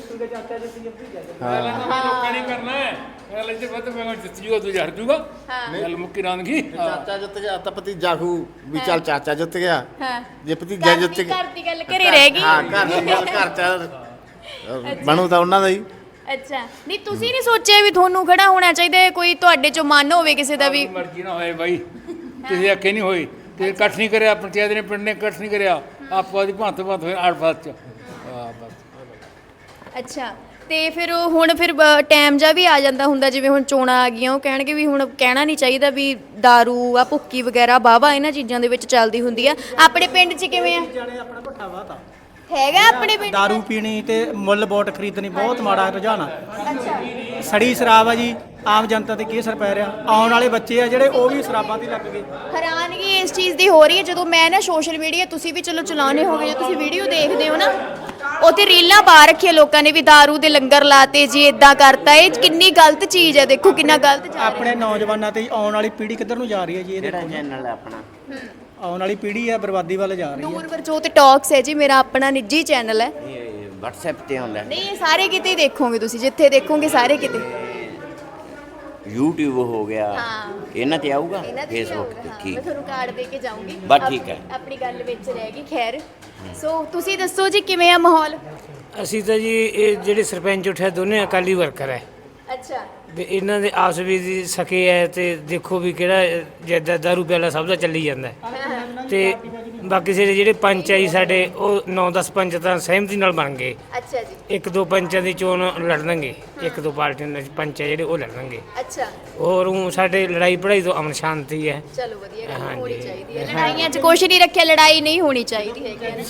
ਲੋਕਾਂ ਨੇ ਕਰਨਾ ਹੈ ਗੱਲ ਇੱਥੇ ਵੱਧ ਮੈਂ ਜਿੱਤ ਜੂਗਾ ਤੂੰ ਹਰ ਜੂਗਾ। ਗੱਲ ਮੁੱਕੀ ਰਾਂਦਗੀ। ਚਾਚਾ ਜਿੱਤ ਗਿਆ ਤਾਂ ਭਤੀਜਾ ਖੂ ਵੀ ਚੱਲ ਚਾਚਾ ਜਿੱਤ ਗਿਆ, ਹਾਂ ਜੇ ਭਤੀਜਾ ਜਿੱਤ ਗਿਆ ਘਰ ਦੀ ਗੱਲ ਘਰੇ ਰਹਿ ਗਈ। ਹਾਂ ਘਰ ਦੀ ਗੱਲ ਘਰ ਚ ਬਣੂ ਤਾਂ ਉਹਨਾਂ ਦਾ ਹੀ। ਅੱਛਾ ਨਹੀਂ ਤੁਸੀਂ ਨਹੀਂ ਸੋਚਿਆ ਵੀ ਤੁਹਾਨੂੰ ਖੜਾ ਹੋਣਾ ਚਾਹੀਦਾ ਹੈ, ਕੋਈ ਤੁਹਾਡੇ ਚੋਂ ਮਨ ਹੋਵੇ ਕਿਸੇ ਦਾ ਵੀ? ਮਰਜ਼ੀ ਨਾ ਹੋਏ ਬਾਈ, ਕਿਸੇ ਅੱਖੇ ਨਹੀਂ ਹੋਈ ਤੇ ਇਕੱਠ ਨਹੀਂ ਕਰਿਆ, ਪੰਚਾਇਤ ਨੇ ਪਿੰਡ ਨੇ ਇਕੱਠ ਨਹੀਂ ਕਰਿਆ, ਆਪੋ ਦੀ ਭੰਤ ਹੋਏ ਆੜ-ਫਾਤ ਚ। ਬਸ ਅੱਛਾ ਤੇ ਫਿਰ ਹੁਣ ਟਾਈਮ ਜਾ ਵੀ ਆ ਜਾਂਦਾ ਹੁੰਦਾ, ਜਿਵੇਂ ਹੁਣ ਚੋਣਾਂ ਆ ਗਈਆਂ, ਉਹ ਕਹਿਣਗੇ ਵੀ ਹੁਣ ਕਹਿਣਾ ਨਹੀਂ ਚਾਹੀਦਾ ਵੀ ਦਾਰੂ ਆ ਭੁੱਕੀ ਵਗੈਰਾ ਵਾਹਵਾ ਇਹਨਾਂ ਚੀਜ਼ਾਂ ਦੇ ਵਿੱਚ ਚੱਲਦੀ ਹੁੰਦੀ ਆ। ਆਪਣੇ ਪਿੰਡ 'ਚ ਕਿਵੇਂ ਆ? ਜਾਣੇ ਆਪਣਾ ਭੱਠਾ ਵਾਤਾ ਹੈਗਾ ਆਪਣੇ ਪਿੰਡ? ਦਾਰੂ ਪੀਣੀ ਤੇ ਮੁੱਲ ਵੋਟ ਖਰੀਦਣੀ ਬਹੁਤ ਮਾੜਾ ਰੁਝਾਨ ਆ। ਸੜੀ ਸ਼ਰਾਬ ਆ ਜੀ, ਆਮ ਜਨਤਾ ਤੇ ਕੀ ਅਸਰ ਪੈ ਰਿਹਾ? ਆਉਣ ਵਾਲੇ ਬੱਚੇ ਆ ਜਿਹੜੇ ਉਹ ਵੀ ਸ਼ਰਾਬਾਂ ਤੇ ਲੱਗ ਗਏ। ਹੈਰਾਨਗੀ ਇਸ ਚੀਜ਼ ਦੀ ਹੋ ਰਹੀ ਹੈ ਜਦੋਂ ਮੈਂ ਨਾ ਸੋਸ਼ਲ ਮੀਡੀਆ, ਤੁਸੀਂ ਵੀ ਚਲੋ ਚਲਾਉਣੇ ਹੋਗੇ, ਜੇ ਤੁਸੀਂ ਵੀਡੀਓ ਦੇਖਦੇ ਹੋ ਨਾ, ਉੱਥੇ ਰੀਲਾਂ ਪਾ ਰੱਖੀਆਂ ਲੋਕਾਂ ਨੇ ਵੀ ਦਾਰੂ ਦੇ ਲੰਗਰ ਲਾਤੇ ਜੀ, ਇਦਾਂ ਕਰਤਾ। ਇਹ ਕਿੰਨੀ ਗਲਤ ਚੀਜ਼ ਹੈ, ਦੇਖੋ ਕਿੰਨਾ ਗਲਤ ਜਾ ਰਿਹਾ। ਆਪਣੇ ਨੌਜਵਾਨਾਂ ਤੇ ਆਉਣ ਵਾਲੀ ਪੀੜ੍ਹੀ ਕਿੱਧਰ ਨੂੰ ਜਾ ਰਹੀ ਹੈ ਜੀ? ਇਹ ਦੇਖੋ, ਚੈਨਲ ਹੈ ਆਪਣਾ, ਆਉਣ ਵਾਲੀ ਪੀੜ੍ਹੀ ਹੈ ਬਰਬਾਦੀ ਵੱਲ ਜਾ ਰਹੀ ਹੈ। ਨੂਰਵਰਜੋਤ ਟਾਕਸ ਹੈ ਜੀ, ਮੇਰਾ ਆਪਣਾ ਨਿੱਜੀ ਚੈਨਲ ਹੈ। ਇਹ WhatsApp ਤੇ ਆਉਂਦਾ, ਨਹੀਂ ਇਹ ਸਾਰੇ ਕਿਤੇ ਹੀ ਦੇਖੋਗੇ ਤੁਸੀਂ, ਜਿੱਥੇ ਦੇਖੋਗੇ ਸਾਰੇ ਕਿਤੇ। YouTube ਹੋ ਗਿਆ, ਹਾਂ। ਇਹਨਾਂ ਤੇ ਆਊਗਾ, ਇਹਨਾਂ ਤੇ Facebook ਤੇ। ਮੈਂ ਠੀਕ ਤੁਹਾਨੂੰ ਕਾਰਡ ਦੇ ਕੇ ਜਾਊਂਗੀ। ਬਸ ਠੀਕ ਹੈ। ਆਪਣੀ ਗੱਲ ਵਿੱਚ ਰਹਿ ਗਈ। ਖੈਰ ਸੋ ਤੁਸੀਂ ਦੱਸੋ ਜੀ ਕਿਵੇਂ ਆ ਮਾਹੌਲ? ਅਸੀਂ ਤਾਂ ਜੀ ਇਹ ਜਿਹੜੇ ਸਰਪੰਚ ਉੱਠਿਆ ਦੋਨੇ ਅਕਾਲੀ ਵਰਕਰ ਹੈ ਅੱਛਾ ਤੇ ਇਹਨਾਂ ਦੇ ਆਪਸ ਵਿੱਚ ਦੀ ਸਕੇ ਹੈ ਤੇ ਦੇਖੋ ਵੀ ਕਿਹੜਾ ਜਿੱਦਾਂ ਦਾਰੂ ਪਿਆਲਾ ਸਭ ਦਾ ਚੱਲੀ ਜਾਂਦਾ ਹੈ। ਤੇ ਬਾਕੀ ਜਿਹੜੇ ਪੰਚ ਆਈ ਸਾਡੇ ਉਹ 9-10 ਪੰਚ ਤਾਂ ਸਹਿਮਤੀ ਨਾਲ ਬਣ ਗਏ। ਅੱਛਾ ਜੀ। ਇੱਕ ਦੋ ਪੰਚਾਂ ਦੀ ਚੋਣ ਲੜਨਗੇ, ਇੱਕ ਦੋ ਪਾਰਟੀਆਂ ਦੇ ਪੰਚ ਆ ਜਿਹੜੇ ਉਹ ਲੜਨਗੇ। ਅੱਛਾ ਹੋਰ ਊਂ ਸਾਡੇ ਲੜਾਈ ਪੜਾਈ ਤੋਂ ਅਮਨ ਸ਼ਾਂਤੀ ਹੈ। ਚਲੋ ਵਧੀਆ ਗੱਲ ਹਾਂਜੀ। ਹੋਣੀ ਚਾਹੀਦੀ ਹੈ। ਲੜਾਈਆਂ 'ਚ ਕੁਛ ਨਹੀਂ ਰੱਖਿਆ, ਲੜਾਈ ਨਹੀਂ ਹੋਣੀ ਚਾਹੀਦੀ ਹੈਗੀ ਹੈ ਨਾ।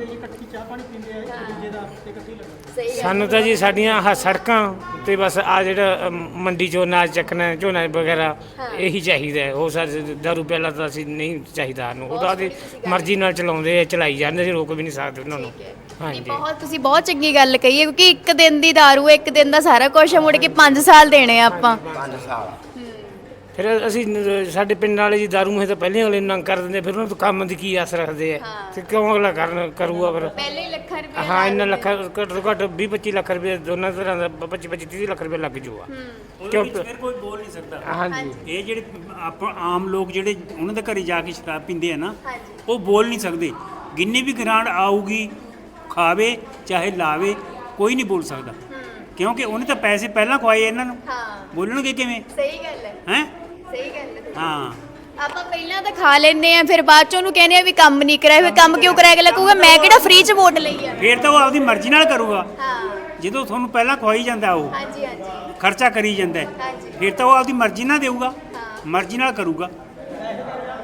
ਸਹੀ ਗੱਲ। ਸਾਨੂੰ ਤਾਂ ਜੀ ਸਾਡੀਆਂ ਆਹ ਸੜਕਾਂ ਤੇ ਬਸ ਆ ਜਿਹੜਾ ਮੰਡੀ ਚੋਂ ਅਨਾਜ ਚੱਕਣਾ, ਝੋਨਾ ਵਗੈਰਾ ਇਹੀ ਚਾਹੀਦਾ ਹੈ। ਉਹ ਸਾਡੇ ਦਾਰੂ ਪਿਆਲਾ ਤਾਂ ਅਸੀਂ ਨਹੀਂ ਚਾਹੀਦਾ ਸਾਨੂੰ, ਉਹਦਾ ਆਪਦੀ ਮਰਜ਼ੀ ਨਾਲ ਚਲਾਉਂਦੇ ਆ, ਚਲਾਈ ਜਾਂਦੇ, ਅਸੀਂ ਰੋਕ ਵੀ ਨਹੀਂ ਸਕਦੇ ਉਹਨਾਂ ਨੂੰ। ਨਹੀਂ, ਹਾਂਜੀ ਬਹੁਤ ਤੁਸੀਂ ਬਹੁਤ ਚੰਗੀ ਗੱਲ ਕਹੀ ਹੈ, ਕਿਉਂਕਿ ਇੱਕ ਦਿਨ ਦੀ ਦਾਰੂ ਹੈ, ਇੱਕ ਦਿਨ ਦਾ ਸਾਰਾ ਕੁਝ ਮੁੜ ਕੇ 5 ਸਾਲ ਦੇਣੇ ਆ ਆਪਾਂ। 5 ਸਾਲ ਫਿਰ ਅਸੀਂ ਸਾਡੇ ਪਿੰਡ ਵਾਲੇ ਜੀ ਦਾਰੂ ਮੁਹੇ ਤਾਂ ਪਹਿਲਾਂ ਅਗਲੇ ਨੰਗ ਕਰ ਦਿੰਦੇ, ਫਿਰ ਉਹਨਾਂ ਤੋਂ ਕੰਮ ਦੀ ਕੀ ਆਸ ਰੱਖਦੇ ਆ ਤੇ ਕਿਉਂ ਅਗਲਾ ਕਰੂਗਾ ਫਿਰ? ਪਹਿਲੇ ਹੀ ਲੱਖਾਂ ਰੁਪਏ ਹਾਂ ਇੰਨਾ ਲੱਖ ਘੱਟ ਤੋਂ ਘੱਟ 20-25 ਲੱਖ ਰੁਪਏ ਦੋਨਾਂ ਤਰ੍ਹਾਂ ਦਾ 25-30 ਲੱਖ ਰੁਪਏ ਲੱਗ ਜੂਗਾ। ਉਹਦੇ ਵਿੱਚ ਫਿਰ ਕੋਈ ਬੋਲ ਨਹੀਂ ਸਕਦਾ। ਹਾਂਜੀ ਇਹ ਜਿਹੜੇ ਆਪਾਂ ਆਮ ਲੋਕ ਜਿਹੜੇ ਉਹਨਾਂ ਦੇ ਘਰੇ ਜਾ ਕੇ ਸ਼ਰਾਬ ਪੀਂਦੇ ਆ ਨਾ, ਉਹ ਬੋਲ ਨਹੀਂ ਸਕਦੇ। ਜਿੰਨੀ ਵੀ ਗ੍ਰਾਂਟ ਆਊਗੀ, ਖਾਵੇ ਚਾਹੇ ਲਾਵੇ, ਕੋਈ ਨਹੀਂ ਬੋਲ ਸਕਦਾ, ਕਿਉਂਕਿ ਉਹਨੇ ਤਾਂ ਪੈਸੇ ਪਹਿਲਾਂ ਖਵਾਏ ਇਹਨਾਂ ਨੂੰ। ਬੋਲਣਗੇ ਕਿਵੇਂ? ਸਹੀ ਗੱਲ ਹੈ। ਹੈ ਸਹੀ ਗੱਲ ਹੈ। ਹਾਂ ਆਪਾਂ ਪਹਿਲਾਂ ਤਾਂ ਖਾ ਲੈਂਦੇ ਆ, ਫਿਰ ਬਾਅਦ ਚ ਉਹਨੂੰ ਕਹਿੰਦੇ ਆ ਵੀ ਕੰਮ ਨਹੀਂ ਕਰਾਇਆ, ਫਿਰ ਕੰਮ ਕਿਉਂ ਕਰਾਇਆ? ਅਗਲਾ ਕਹੂਗਾ ਮੈਂ ਕਿਹੜਾ ਫ੍ਰੀ ਚ ਵੋਟ ਲਈ ਆ। ਫਿਰ ਤਾਂ ਉਹ ਆਪਦੀ ਮਰਜ਼ੀ ਨਾਲ ਕਰੂਗਾ। ਹਾਂ ਜਦੋਂ ਤੁਹਾਨੂੰ ਪਹਿਲਾਂ ਖਵਾਈ ਜਾਂਦਾ, ਉਹ ਹਾਂਜੀ ਹਾਂਜੀ ਖਰਚਾ ਕਰੀ ਜਾਂਦਾ ਹੈ, ਹਾਂਜੀ। ਫਿਰ ਤਾਂ ਉਹ ਆਪਦੀ ਮਰਜ਼ੀ ਨਾਲ ਦੇਊਗਾ, ਮਰਜ਼ੀ ਨਾਲ ਕਰੂਗਾ।